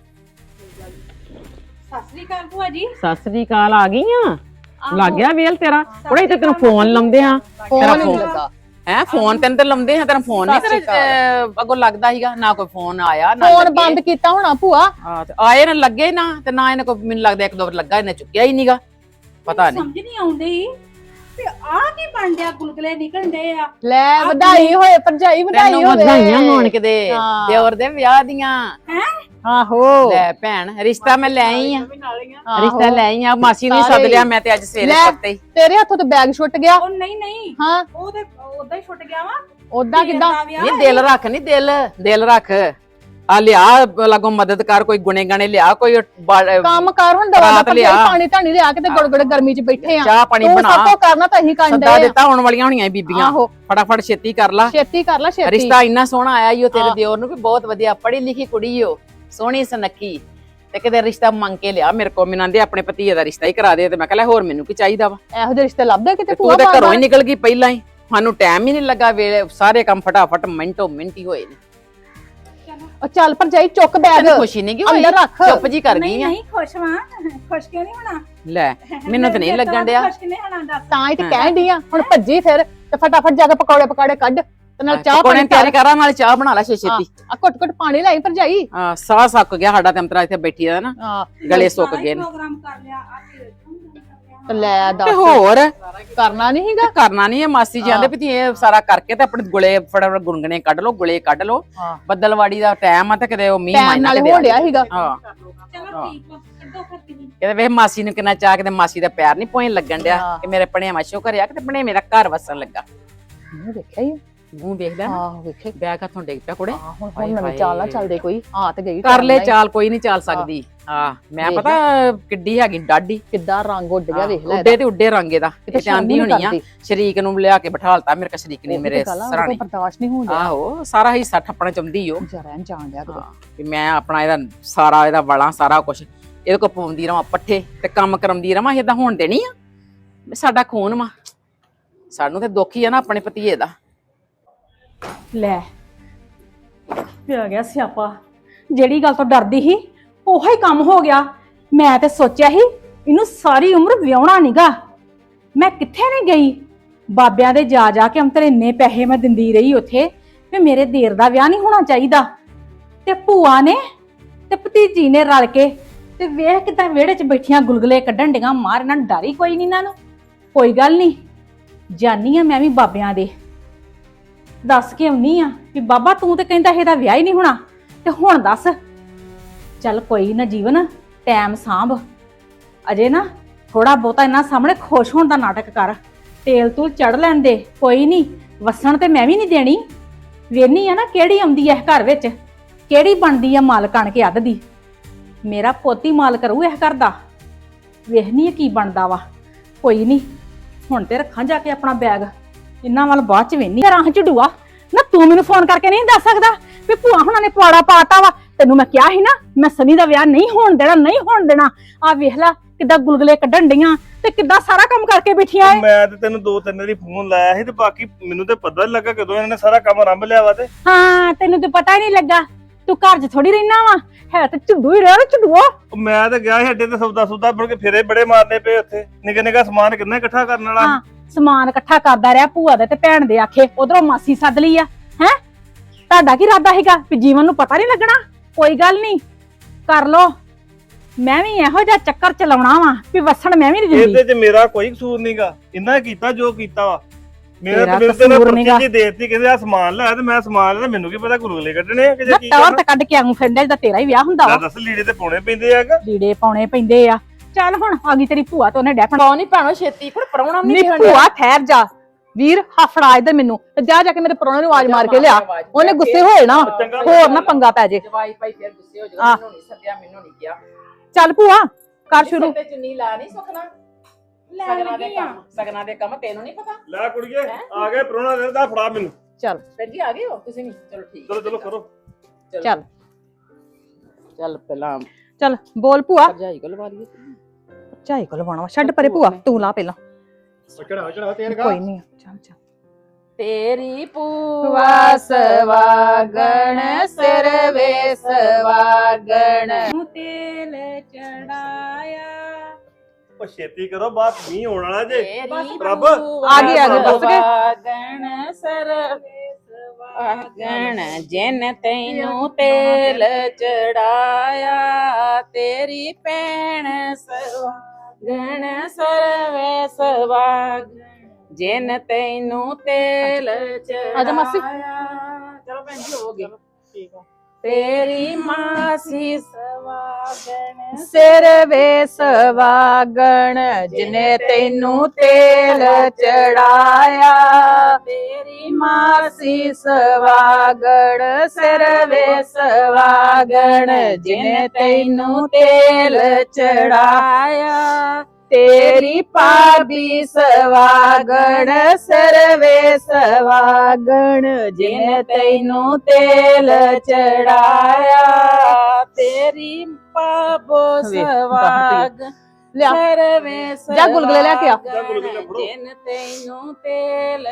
Speaker 1: ਸਤਿ ਸ੍ਰੀ ਅਕਾਲ ਭੂਆ ਜੀ।
Speaker 3: ਸਤਿ ਸ੍ਰੀ ਅਕਾਲ, ਆ ਗਈਆਂ? ਲੱਗ ਗਿਆ ਵੇਲ ਤੇਰਾ? ਕੁੜੇ ਤੇ ਤੈਨੂੰ ਫੋਨ ਲਾਉਂਦੇ ਆ, ਤੇਰਾ
Speaker 2: ਫੋਨ
Speaker 3: ਫੋਨ
Speaker 2: ਲੱਗਾ।
Speaker 3: ਹੈ ਫੋਨ ਤੈਨੂੰ ਤੇ ਲਾਉਂਦੇ ਆ, ਤੇਰਾ ਫੋਨ ਨਹੀਂ
Speaker 2: ਸਤਿ
Speaker 3: ਤੇਰੇ ਅੱਗੋਂ ਲੱਗਦਾ ਸੀਗਾ? ਨਾ ਕੋਈ ਫੋਨ ਆਇਆ ਨਾ
Speaker 2: ਫੋਨ
Speaker 3: ਲੱਗੇ।
Speaker 2: ਬੰਦ ਕੀਤਾ ਹੋਣਾ ਭੂਆ।
Speaker 3: ਹਾਂ ਤੇ ਆਏ ਨਾ ਲੱਗੇ ਨਾ, ਤੇ ਨਾ ਇਹਨੇ ਕੋਈ ਮੈਨੂੰ ਲੱਗਦਾ ਇੱਕ ਦੋ ਵਾਰ ਲੱਗਾ, ਇਹਨੇ ਚੁੱਕਿਆ ਹੀ ਨਹੀਂਗਾ। ਪਤਾ ਨਹੀਂ
Speaker 1: ਸਮਝ ਨਹੀਂ ਆਉਂਦੀ ਤੇ ਆ ਕੀ ਬਣ ਡਿਆ? ਗੁਲਗੁਲੇ ਨਿਕਲਣ ਡੇ ਆ।
Speaker 2: ਲੈ ਵਧਾਈ ਹੋਏ ਭਰਜਾਈ, ਵਧਾਈ
Speaker 3: ਤੈਨੂੰ
Speaker 2: ਹੋਵੇ।
Speaker 3: ਵਧਾਈਆਂ ਹੋਣ ਕਿਤੇ
Speaker 2: ਹਾਂ।
Speaker 3: ਦਿਓਰ ਦੇ ਵਿਆਹ ਦੀਆਂ।
Speaker 1: ਹੈ
Speaker 2: ਆਹੋ
Speaker 3: ਲੈ ਭੈਣ, ਰਿਸ਼ਤਾ ਮੈਂ ਲੈ ਆਈ ਆ,
Speaker 2: ਆਹੋ।
Speaker 3: ਰਿਸ਼ਤਾ ਲੈ ਆਈ ਆ। ਮਾਸੀ ਨੂੰ ਹੀ ਸੱਦ
Speaker 2: ਸਾਰੇ
Speaker 3: ਲਿਆ ਮੈਂ ਤੇ ਅੱਜ ਸਵੇਰੇ
Speaker 2: ਲੈ।
Speaker 3: ਪੱਤੇ ਹੀ।
Speaker 2: ਤੇਰੇ ਹੱਥੋਂ ਤੇ ਬੈਗ ਛੁੱਟ ਗਿਆ।
Speaker 1: ਉਹ ਨਹੀਂ ਨਹੀਂ,
Speaker 2: ਹਾਂ
Speaker 1: ਉਹ ਤੇ ਉਦਾਂ ਹੀ ਛੁੱਟ ਗਿਆ ਵਾ।
Speaker 2: ਉਦਾਂ ਕਿਦਾਂ?
Speaker 3: ਨਹੀਂ ਦਿਲ ਰੱਖ, ਨਹੀਂ ਦਿਲ ਦਿਲ ਰੱਖ। ਆ ਲਿਆ ਲਾਗੋਂ ਮਦਦ ਕਰ, ਕੋਈ ਗੁਣੇ ਗਾਣੇ ਲਿਆ, ਕੋਈ ਬਾ-
Speaker 2: ਕੰਮ ਕਰ ਹੁਣ ਦਵਾ ਦਾ
Speaker 3: ਰਾਤ ਲਿਆ।
Speaker 2: ਪਾਣੀ ਧਾਣੀ ਲਿਆ ਕੇ ਤੇ ਗੜਗੜ ਗਰਮੀ ਚ ਬੈਠੇ ਆ।
Speaker 3: ਚਾਹ ਪਾਣੀ
Speaker 2: ਤੂੰ
Speaker 3: ਬਣਾ,
Speaker 2: ਸਭ ਤੋਂ ਕਰਨਾ ਤਾਂ ਇਹੀ ਕੰਡੇ
Speaker 3: ਸੱਦਾ ਦਿੱਤਾ ਹੋਣ ਵਾਲੀਆਂ ਹੋਣੀਆਂ ਬੀਬੀਆਂ।
Speaker 2: ਆਹੋ
Speaker 3: ਫਟਾਫਟ ਛੇਤੀ ਕਰ ਲਾ।
Speaker 2: ਛੇਤੀ ਕਰ ਲੈ ਛੇਤੀ।
Speaker 3: ਰਿਸ਼ਤਾ ਇੰਨਾ ਸੋਹਣਾ ਆਇਆ ਈ ਓ ਤੇਰੇ
Speaker 2: ਹਾਂ।
Speaker 3: ਦਿਓਰ ਨੂੰ ਵੀ, ਬਹੁਤ ਵਧੀਆ ਪੜ੍ਹੀ ਲਿਖੀ ਕੁੜੀ ਓ, ਸੋਹਣੀ ਸੁਨੱਖੀ। ਤੇ ਕਿਤੇ ਰਿਸ਼ਤਾ ਮੰਗ ਕੇ ਲਿਆ ਮੇਰੇ ਕੋਲ, ਮੈਨੂੰ ਆਂਦੇ ਆਪਣੇ ਭਤੀਏ ਦਾ ਰਿਸ਼ਤਾ ਹੀ ਕਰਾ ਦੇ। ਤੇ ਮੈਂ ਕਿਹਾ ਹੋਰ ਮੈਨੂੰ ਕੀ ਚਾਹੀਦਾ ਵਾ?
Speaker 2: ਇਹੋ ਜਿਹੇ ਰਿਸ਼ਤੇ ਲੱਭਦੇ ਕਿਤੇ
Speaker 3: ਤੇ
Speaker 2: ਭੂਆ
Speaker 3: ਤੂੰ ਤੇ ਘਰੋਂ ਹੀ
Speaker 2: ਬਾਰ-ਬਾਰ।
Speaker 3: ਨਿਕਲ ਗਈ ਪਹਿਲਾਂ ਹੀ, ਸਾਨੂੰ ਟਾਈਮ ਹੀ ਨਹੀਂ ਲੱਗਾ, ਵੇਲੇ ਸਾਰੇ ਕੰਮ ਫਟਾਫਟ ਮਿੰਟੋ ਮਿੰਟ ਹੀ ਹੋਏ ਨੇ।
Speaker 2: ਉਹ ਚੱਲ ਭਰਜਾਈ ਚੁੱਕ ਬੈਗ
Speaker 3: ਤੈਨੂੰ ਖੁਸ਼ੀ ਨਹੀਂ ਗਈ ਹੋਈ?
Speaker 2: ਅੰਦਰ ਰੱਖ।
Speaker 3: ਚੁੱਪ ਜੀ ਕਰ
Speaker 1: ਨਹੀਂ
Speaker 3: ਗਈ ਆ।
Speaker 1: ਨਹੀਂ, ਖੁਸ਼ ਵਾਂ। ਖੁਸ਼ ਕਿਉਂ ਨਹੀਂ ਹੋਣਾ?
Speaker 3: ਲੈ ਮੈਨੂੰ ਤਾਂ ਨਹੀਂ ਲੱਗਣ ਡਿਆ।
Speaker 1: ਖੁਸ਼ ਕਿਨੇ ਹੋਣਾ ਦੱਸ?
Speaker 2: ਤਾਂ ਹੀ ਤੇ ਕਹਿਣ ਡਈ ਆ ਹੁਣ ਭੱਜੀ ਫਿਰ ਤੇ ਫਟਾਫਟ ਜਾ ਕੇ ਪਕੌੜੇ ਪਕਾੜੇ ਕੱਢ। ਤੇ ਨਾਲ ਚਾਹ
Speaker 3: ਪਕੌੜੇ
Speaker 2: ਪਾਣੀ
Speaker 3: ਤਿਆਰੀ ਕਰਾਂ ਨਾਲ ਚਾਹ ਬਣਾ ਲੈ ਛੇ ਛੇਤੀ
Speaker 2: ਆ ਘੁੱਟ ਘੁੱਟ ਪਾਣੀ ਲੈ ਭਰਜਾਈ
Speaker 3: ਆ ਸਾਹ ਸੱਕ ਗਿਆ ਸਾਡਾ ਤੇ ਅੰਤਰਾ ਇੱਥੇ ਬੈਠੀ ਦਾ ਨਾ
Speaker 2: ਹਾਂ
Speaker 3: ਗਲੇ ਸੁੱਕ ਗਏ ਨੇ
Speaker 1: ਪ੍ਰੋਗਰਾਮ ਕਰ ਲਿਆ ਆ
Speaker 2: ਤੇ ਲੈ
Speaker 3: ਤੇ
Speaker 2: ਦੱਸ
Speaker 3: ਹੋਰ
Speaker 2: ਕਰਨਾ ਨਹੀਂ ਹੈਗਾ
Speaker 3: ਕਰਨਾ ਨਹੀਂ ਇਹ ਮਾਸੀ ਜੀ ਆਂਦੇ ਵੀ ਇਹ ਸਾਰਾ ਕਰਕੇ ਤੇ ਆਪਣੇ ਗੁਲੇ ਫਟਾਫਟ ਗੁੰਗਣੇ ਕੱਢ ਲਓ ਗੁਲੇ ਕੱਢ ਲਓ
Speaker 2: ਹਾਂ
Speaker 3: ਬੱਦਲਵਾੜੀ ਦਾ ਟਾਈਮ ਆ ਤੇ ਕਿਤੇ ਉਹ ਮੀਂਹ
Speaker 2: ਟਾਈਮ
Speaker 3: ਮਾਇਨਾ
Speaker 2: ਨਾਲੇ
Speaker 3: ਕਿਤੇ
Speaker 2: ਹੋ
Speaker 3: ਆ
Speaker 2: ਡਿਆ ਸੀਗਾ
Speaker 3: ਹਾਂ
Speaker 1: ਚਲੋ ਠੀਕ ਵਾ ਕੱਢੋ ਫਿਰ ਤੁਸੀਂ
Speaker 3: ਕਿਤੇ ਵੇਖ ਮਾਸੀ ਨੂੰ ਕਿੰਨਾ ਚਾਹ ਕਿਤੇ ਮਾਸੀ ਦਾ ਪਿਆਰ ਨਹੀਂ ਪੋਇਣ ਲੱਗਣ ਡਿਆ
Speaker 2: ਹਾਂ।
Speaker 3: ਕਿ ਮੇਰੇ ਪਣਿਆ ਮਾਸ਼ੋ ਘਰਿਆ ਕਿਤੇ ਪਣੇ ਮੇਰਾ ਘਰ ਵਸਣ ਲੱਗਾ
Speaker 2: ਮੈਂ ਦੇਖਿਆ ਹੀ
Speaker 3: ਮੂੰਹ ਵੇਖ ਲੈ
Speaker 2: ਹਾਂ ਵੇਖੇ
Speaker 3: ਬੈਗ ਹੱਥੋਂ ਡਿੱਗ ਪਿਆ ਕੁੜੇ
Speaker 2: ਹਾਂ ਹੁਣ
Speaker 3: ਹਾਏ
Speaker 2: ਹੁਣ ਨਵੇਂ
Speaker 3: ਹਾਏ।
Speaker 2: ਚਾਲ ਨਾ ਚੱਲਦੇ ਕੋਈ ਆ ਤੇ ਗਈ
Speaker 3: ਕਰ ਲੈ
Speaker 2: time ਨਾਲ ਹੀ।
Speaker 3: ਚਾਲ ਕੋਈ ਨਹੀਂ ਚਾਲ ਸਕਦੀ ਹਾਂ ਮੈਂ
Speaker 2: ਵੇਖ
Speaker 3: ਪਤਾ ਕਿੱਡੀ ਹੈਗੀ ਡਾਢੀ
Speaker 2: ਕਿੱਦਾਂ ਰੰਗ ਉੱਡ ਗਿਆ ਵੇਖ ਲੈ
Speaker 3: ਉੱਡੇ ਤੇ ਉੱਡੇ ਰੰਗੇ ਦਾ
Speaker 2: ਕਿਤੇ
Speaker 3: ਇਹ ਆਂਦੀ
Speaker 2: ਸ਼ਰਮ ਨੀ
Speaker 3: ਹੋਣੀ ਆ
Speaker 2: ਕਰਦੀ।
Speaker 3: ਸ਼ਰੀਕ ਨੂੰ ਲਿਆ ਕੇ ਬਿਠਾਲਤਾ ਮੇਰੇ ਕਾ ਸ਼ਰੀਕ ਨੇ ਮੇਰੇ ਸਰਾਣੇ
Speaker 2: ਬਰਦਾਸ਼ਤ ਨਹੀਂ ਹੁੰਦਾ
Speaker 3: ਆਹੋ ਸਾਰਾ ਹਿੱਸਾ ਠੱਪਣਾ ਚਾਹੁੰਦੀ ਓ
Speaker 2: ਜਰਨ ਜਾਣ ਡਿਆ ਕਿਤੇ
Speaker 3: ਹਾਂ, ਵੀ ਮੈਂ ਆਪਣਾ ਇਹਦਾ ਸਾਰਾ ਇਹਦਾ ਵਾਲਾਂ ਸਾਰਾ ਕੁਝ ਇਹਦੇ ਕੋ ਪਾਉਂਦੀ ਰਵਾਂ ਪੱਠੇ ਤੇ ਕੰਮ ਕਰਾਉਂਦੀ ਰਵਾਂ ਇਹਦਾ ਹੋਣ ਦੇਣੀ ਆ ਵੀ ਸਾਡਾ ਖੂਨ ਵਾ ਸਾਨੂੰ ਤੇ ਦੁੱਖ ਹੀ ਆ ਨਾ ਆਪਣੇ ਭਤੀਏ ਦਾ
Speaker 1: ਲੈ ਪਿਆ ਗਿਆ ਸਿਆਪਾ ਜਿਹੜੀ ਗੱਲ ਤੋਂ ਡਰਦੀ ਸੀ ਉਹੋ ਹੀ ਕੰਮ ਹੋ ਗਿਆ ਮੈਂ ਤੇ ਸੋਚਿਆ ਸੀ ਇਹਨੂੰ ਸਾਰੀ ਉਮਰ ਵਿਆਹਣਾ ਨੀਗਾ ਮੈਂ ਕਿੱਥੇ ਨਹੀਂ ਗਈ ਬਾਬਿਆਂ ਦੇ ਜਾ ਜਾ ਕੇ ਅੰਤਰ ਇੰਨੇ ਪੈਸੇ ਮੈਂ ਦਿੰਦੀ ਰਹੀ ਉੱਥੇ ਵੀ ਮੇਰੇ ਦੇਰ ਦਾ ਵਿਆਹ ਨਹੀਂ ਹੋਣਾ ਚਾਹੀਦਾ ਤੇ ਭੂਆ ਨੇ ਤੇ ਭਤੀਜੀ ਨੇ ਰਲ ਕੇ ਤੇ ਵੇਖ ਕਿਦਾਂ ਵਿਹੜੇ 'ਚ ਬੈਠੀਆਂ ਗੁਲਗੁਲੇ ਕੱਢਣ ਡੀਆਂ ਮਾਰ ਇਹਨਾਂ ਨੂੰ ਡਰ ਹੀ ਕੋਈ ਨਹੀਂ ਇਹਨਾਂ ਨੂੰ ਕੋਈ ਗੱਲ ਨਹੀਂ ਜਾਨੀ ਆ ਮੈਂ ਵੀ ਬਾਬਿਆਂ ਦੇ ਦੱਸ ਕੇ ਆਉਣੀ ਆ ਵੀ ਬਾਬਾ ਤੂੰ ਤੇ ਕਹਿੰਦਾ ਇਹਦਾ ਵਿਆਹ ਹੀ ਨਹੀਂ ਹੋਣਾ ਤੇ ਹੁਣ ਦੱਸ ਚੱਲ ਕੋਈ ਨਾ ਜੀਵਨ ਟਾਈਮ ਸਾਂਭ ਅਜੇ ਨਾ ਥੋੜਾ ਬਹੁਤਾ ਇਹਨਾਂ ਸਾਹਮਣੇ ਖੁਸ਼ ਹੋਣ ਦਾ ਨਾਟਕ ਕਰ ਤੇਲ ਤੂਲ ਚੜ ਲੈਣ ਦੇ ਕੋਈ ਨਹੀਂ ਵਸਣ ਤੇ ਮੈਂ ਵੀ ਨਹੀਂ ਦੇਣੀ ਵੇਨੀ ਆ ਨਾ ਕਿਹੜੀ ਆਉਂਦੀ ਐ ਇਸ ਘਰ ਵਿੱਚ ਕਿਹੜੀ ਬਣਦੀ ਆ ਮਾਲ ਕਣ ਕੇ ਅੱਧ ਦੀ ਮੇਰਾ ਪੋਤੀ ਮਾਲ ਕਰੂ ਇਸ ਘਰ ਦਾ ਵੇਖਨੀ ਆ ਕੀ ਬਣਦਾ ਵਾ ਕੋਈ ਨਹੀਂ ਹੁਣ ਤੇ ਰੱਖਾਂ ਜਾ ਕੇ ਆਪਣਾ ਬੈਗ ਇਹਨਾਂ ਵੱਲ ਬਾਅਦ ਚ ਵੇਨੀ ਰਾਹ ਝਡੂਆ ਨਾ ਤੂੰ ਮੈਨੂੰ ਫੋਨ ਕਰਕੇ ਨਹੀਂ ਦੱਸ ਸਕਦਾ ਵੀ ਭੂਆ ਹੁਣਾਂ ਨੇ ਪਵਾੜਾ ਪਾਤਾ ਵਾ ਤੈਨੂੰ ਮੈਂ ਕਿਹਾ ਸੀ ਨਾ ਮੈਂ ਸਨੀ ਦਾ ਵਿਆਹ ਨਹੀਂ ਹੋਣ ਦੇਣਾ ਨਹੀਂ ਹੋਣ ਦੇਣਾ ਆ ਵੇਖ ਲੈ ਕਿੱਦਾਂ ਗੁਲਗੁਲੇ ਕੱਢਣ ਡੀਆਂ ਤੇ ਕਿੱਦਾਂ ਸਾਰਾ ਕੰਮ ਕਰਕੇ ਬੈਠੀਆਂ ਏ
Speaker 4: ਮੈਂ ਤੇ ਤੈਨੂੰ ਦੋ ਤਿੰਨ ਵਾਰੀ ਫੋਨ ਲਾਇਆ ਸੀ ਤੇ ਬਾਕੀ ਮੈਨੂੰ ਤੇ ਪਤਾ ਨੀ ਲੱਗਾ ਕਦੋਂ ਇਹਨਾਂ ਨੇ ਸਾਰਾ ਕੰਮ ਆਰੰਭ ਲਿਆ ਵਾ ਤੇ
Speaker 1: ਹਾਂ ਤੈਨੂੰ ਤੇ ਪਤਾ ਹੀ ਨਹੀਂ ਲੱਗਾ ਤੂੰ ਘਰ 'ਚ ਥੋੜੀ ਰਹਿਣਾ ਵਾ ਹੈ ਤੇ ਝੁੱਡੂ ਹੀ ਰਹਿ ਝੁੱਡੂਆ
Speaker 4: ਉਹ ਮੈਂ ਤਾਂ ਗਿਆ ਸੀ ਅੱਡੇ ਤੇ ਸੌਦਾ ਸੁਦਾ ਮੁੜ ਕੇ ਫੇਰੇ ਬੜੇ ਮਾਰਨੇ ਪਏ ਉੱਥੇ ਨਿੱਕੇ ਨਿੱਕਾ ਸਮਾਨ ਕਿੰਨਾ ਇਕੱਠਾ ਕਰਨ ਵਾਲਾ
Speaker 1: ਹਾਂ ਸਮਾਨ ਇਕੱਠਾ ਕਰਦਾ ਰਿਹਾ ਭੂਆ ਦੇ ਤੇ ਭੈਣ ਦੇ ਆਖੇ ਉਧਰੋਂ ਮਾਸੀ ਸੱਦ ਲਈ ਆ ਹੈ ਤੁਹਾਡਾ ਕੀ ਇਰਾਦਾ ਹੈਗਾ ਵੀ ਜੀਵਨ ਨੂੰ ਪਤਾ ਨਹੀਂ ਲੱਗਣਾ ਕੋਈ ਗੱਲ ਨਹੀਂ ਕਰ ਲੋ ਮੈਂ ਵੀ ਇਹੋ ਜਿਹਾ ਚੱਕਰ ਚਲਾਉਣਾ ਵਾ ਵੀ ਵਸਣ ਮੈਂ ਵੀ ਨਹੀਂ ਦਿੰਦੀ
Speaker 4: ਇਹਦੇ 'ਚ ਮੇਰਾ ਕੋਈ ਕਸੂਰ ਨਹੀਂਗਾ ਇਹਨਾਂ ਕੀਤਾ ਜੋ ਕੀਤਾ ਵਾ ਮੇਰਾ
Speaker 1: ਤੇਰਾ
Speaker 4: ਤੇ ਮੇਰੇ ਤੇ
Speaker 1: ਕਸੂਰ ਨੀਗਾ।
Speaker 4: ਪਰਚੀ ਦੇਤੀ ਕਹਿੰਦੇ ਆ ਸਮਾਨ ਲੈ ਤੇ ਮੈਂ ਸਮਾਨ ਲੈ ਮੈਨੂੰ ਕੀ ਪਤਾ ਗੁਲਗੁਲੇ ਕੱਢਣੇ ਆ ਕਿ
Speaker 1: ਨਾ
Speaker 4: ਕੀ
Speaker 1: ਤੌਰ
Speaker 4: ਕਰਨਾ
Speaker 1: ਤੇ ਕੱਢ ਕੇ ਆਉਂ ਫਿਰਦਾ ਜਿਹਦਾ ਤੇਰਾ ਹੀ ਵਿਆਹ ਹੁੰਦਾ ਵਾ
Speaker 4: ਲੈ ਦੱਸ ਲੀੜੇ ਤੇ ਪਾਉਣੇ ਪੈਂਦੇ ਆਗਾ
Speaker 1: ਲੀੜੇ ਪਾਉਣੇ ਪੈਂਦੇ ਆ ਚੱਲ ਹੁਣ ਆ ਗਈ ਤੇਰੀ ਭੂਆ ਤੇ ਉਹਨੇ ਡੈਪਣ
Speaker 3: ਕੌਣ ਨਹੀਂ ਭੈਣੋ ਛੇਤੀ ਪਰ ਪਰੌਣਾ
Speaker 2: ਨੀ
Speaker 3: ਨਹੀਂ
Speaker 2: ਭੂਆ ਠਹਿਰ ਜਾ ਵੀਰ ਹਫੜਾ ਇੱਧਰ ਮੈਨੂੰ ਤੇ ਜਾ ਜਾ ਕੇ ਮੇਰੇ ਪਰੋਣੇ ਨੂੰ ਆਵਾਜ਼ ਮਾਰ ਕੇ ਲਿਆ ਉਹਨੇ ਗੁੱਸੇ ਹੋਏ ਨਾ
Speaker 4: ਚੰਗਾ
Speaker 2: ਹੋਰ ਨਾ ਪੰਗਾ ਪੈ ਜੇ
Speaker 3: ਜਵਾਈ ਭਾਈ ਫਿਰ ਗੁੱਸੇ ਹੋ
Speaker 2: ਆਹ।
Speaker 3: ਜਾਊਗਾ ਮੈਨੂੰ ਨਹੀਂ ਸੱਦਿਆ ਮੈਨੂੰ ਨਹੀਂ ਕਿਹਾ
Speaker 2: ਚੱਲ ਭੂਆ ਕਰ ਸ਼ੁਰੂ
Speaker 3: ਤੇ ਚੁੰਨੀ ਲਾ ਨਹੀਂ ਸੁਖਣਾ ਸਗਨਾਂ ਦੇ ਕੰਮ ਸਗਨਾਂ ਦੇ ਕੰਮ ਤੈਨੂੰ ਨਹੀਂ ਪਤਾ
Speaker 4: ਲੈ ਕੁੜੀਏ ਆ ਗਏ ਪਰੋਣਾ ਦੇ ਦਾ ਫੜਾ ਮੈਨੂੰ
Speaker 2: ਚੱਲ
Speaker 3: ਭੈਣ ਜੀ ਆ ਗਏ ਹੋ ਤੁਸੀਂ ਨਹੀਂ ਚਲੋ ਠੀਕ
Speaker 4: ਚਲੋ ਚਲੋ ਕਰੋ
Speaker 2: ਚੱਲ
Speaker 3: ਚੱਲ ਪਹਿਲਾਂ
Speaker 2: ਚੱਲ ਬੋਲ ਭੂਆ
Speaker 3: ਭਰਜਾਈ ਕੋਲ ਲਵਾ ਲਈਏ
Speaker 2: ਚਾਹੀ ਕੋਲ ਲਵਾਉਣਾ ਵਾ ਛੱਡ ਪਰੇ ਭੂਆ ਤੂੰ ਲਾ ਪਹਿਲਾਂ
Speaker 4: ਚੜਾ ਚੜਾ ਤੇਲ
Speaker 2: ਕੋਈ ਨਹੀਂ ਚੱਲ ਚੱਲ
Speaker 3: ਤੇਰੀ ਪੂਵਾ ਸਵਾਗਣ ਸਿਰ ਵੇ ਸਵਾਗਣ
Speaker 1: ਤੇਲ ਚੜਾਇਆ
Speaker 4: ਉਹ ਛੇਤੀ ਕਰੋ ਬਾਤ ਮੀਂਹ ਹੋਣ ਵਾਲਾ ਜੇ
Speaker 3: ਤੇਰੀ
Speaker 4: ਪ੍ਰਭ।
Speaker 2: ਆ ਗਈ, ਆ ਗਈ, ਦੱਸ ਗਏ।
Speaker 3: ਸਵਾਗਣ ਸਿਰ ਵੇ ਸਵਾਗਣ ਜਿਨ ਤੈਨੂੰ ਤੇਲ ਚੜਾਇਆ ਤੇਰੀ ਭੈਣ ਸਵਾਗਣ ਸਿਰ ਵੇ ਸਵਾਗਣ ਜਿਨ ਤੈਨੂੰ ਤੇਲ ਚੜਾਇਆ
Speaker 2: ਆਜਾ ਮਾਸੀ।
Speaker 3: ਚਲੋ ਭੈਣ ਜੀ ਹੋ ਗਏ ਠੀਕ ਆ ਤੇਰੀ ਮਾਸੀ ਸਵਾਗਣ
Speaker 2: ਸਿਰ ਵੇ ਸਵਾਗਣ ਜਿਨੇ ਤੈਨੂੰ ਤੇਲ ਚੜਾਇਆ
Speaker 3: ਤੇਰੀ
Speaker 2: ਮਾਸੀ ਸਵਾਗਣ ਸਿਰ ਵੇ ਸਵਾਗਣ ਜਿਨੇ ਤੈਨੂੰ ਤੇਲ ਚੜਾਇਆ ਤੇਰੀ ਭਾਬੀ ਸਵਾਗਣ ਸਿਰ ਵੇ ਸਵਾਗਣ ਜਿਨੇ ਤੈਨੂੰ ਤੇਲ ਚੜਾਇਆ
Speaker 3: ਤੇਰੀ ਪਾਬੋ ਸਵਾਗਣ
Speaker 2: ਲਿਆ
Speaker 3: ਸਿਰ ਵੇ
Speaker 2: ਜਾ ਗੁਲਗੁਲੇ ਲੈ ਕੇ ਆ।
Speaker 4: ਜਾ ਗੁਲਗੁਲੇ ਫੜੋ।
Speaker 3: ਜਿਨ ਤੈਨੂੰ ਤੇਲ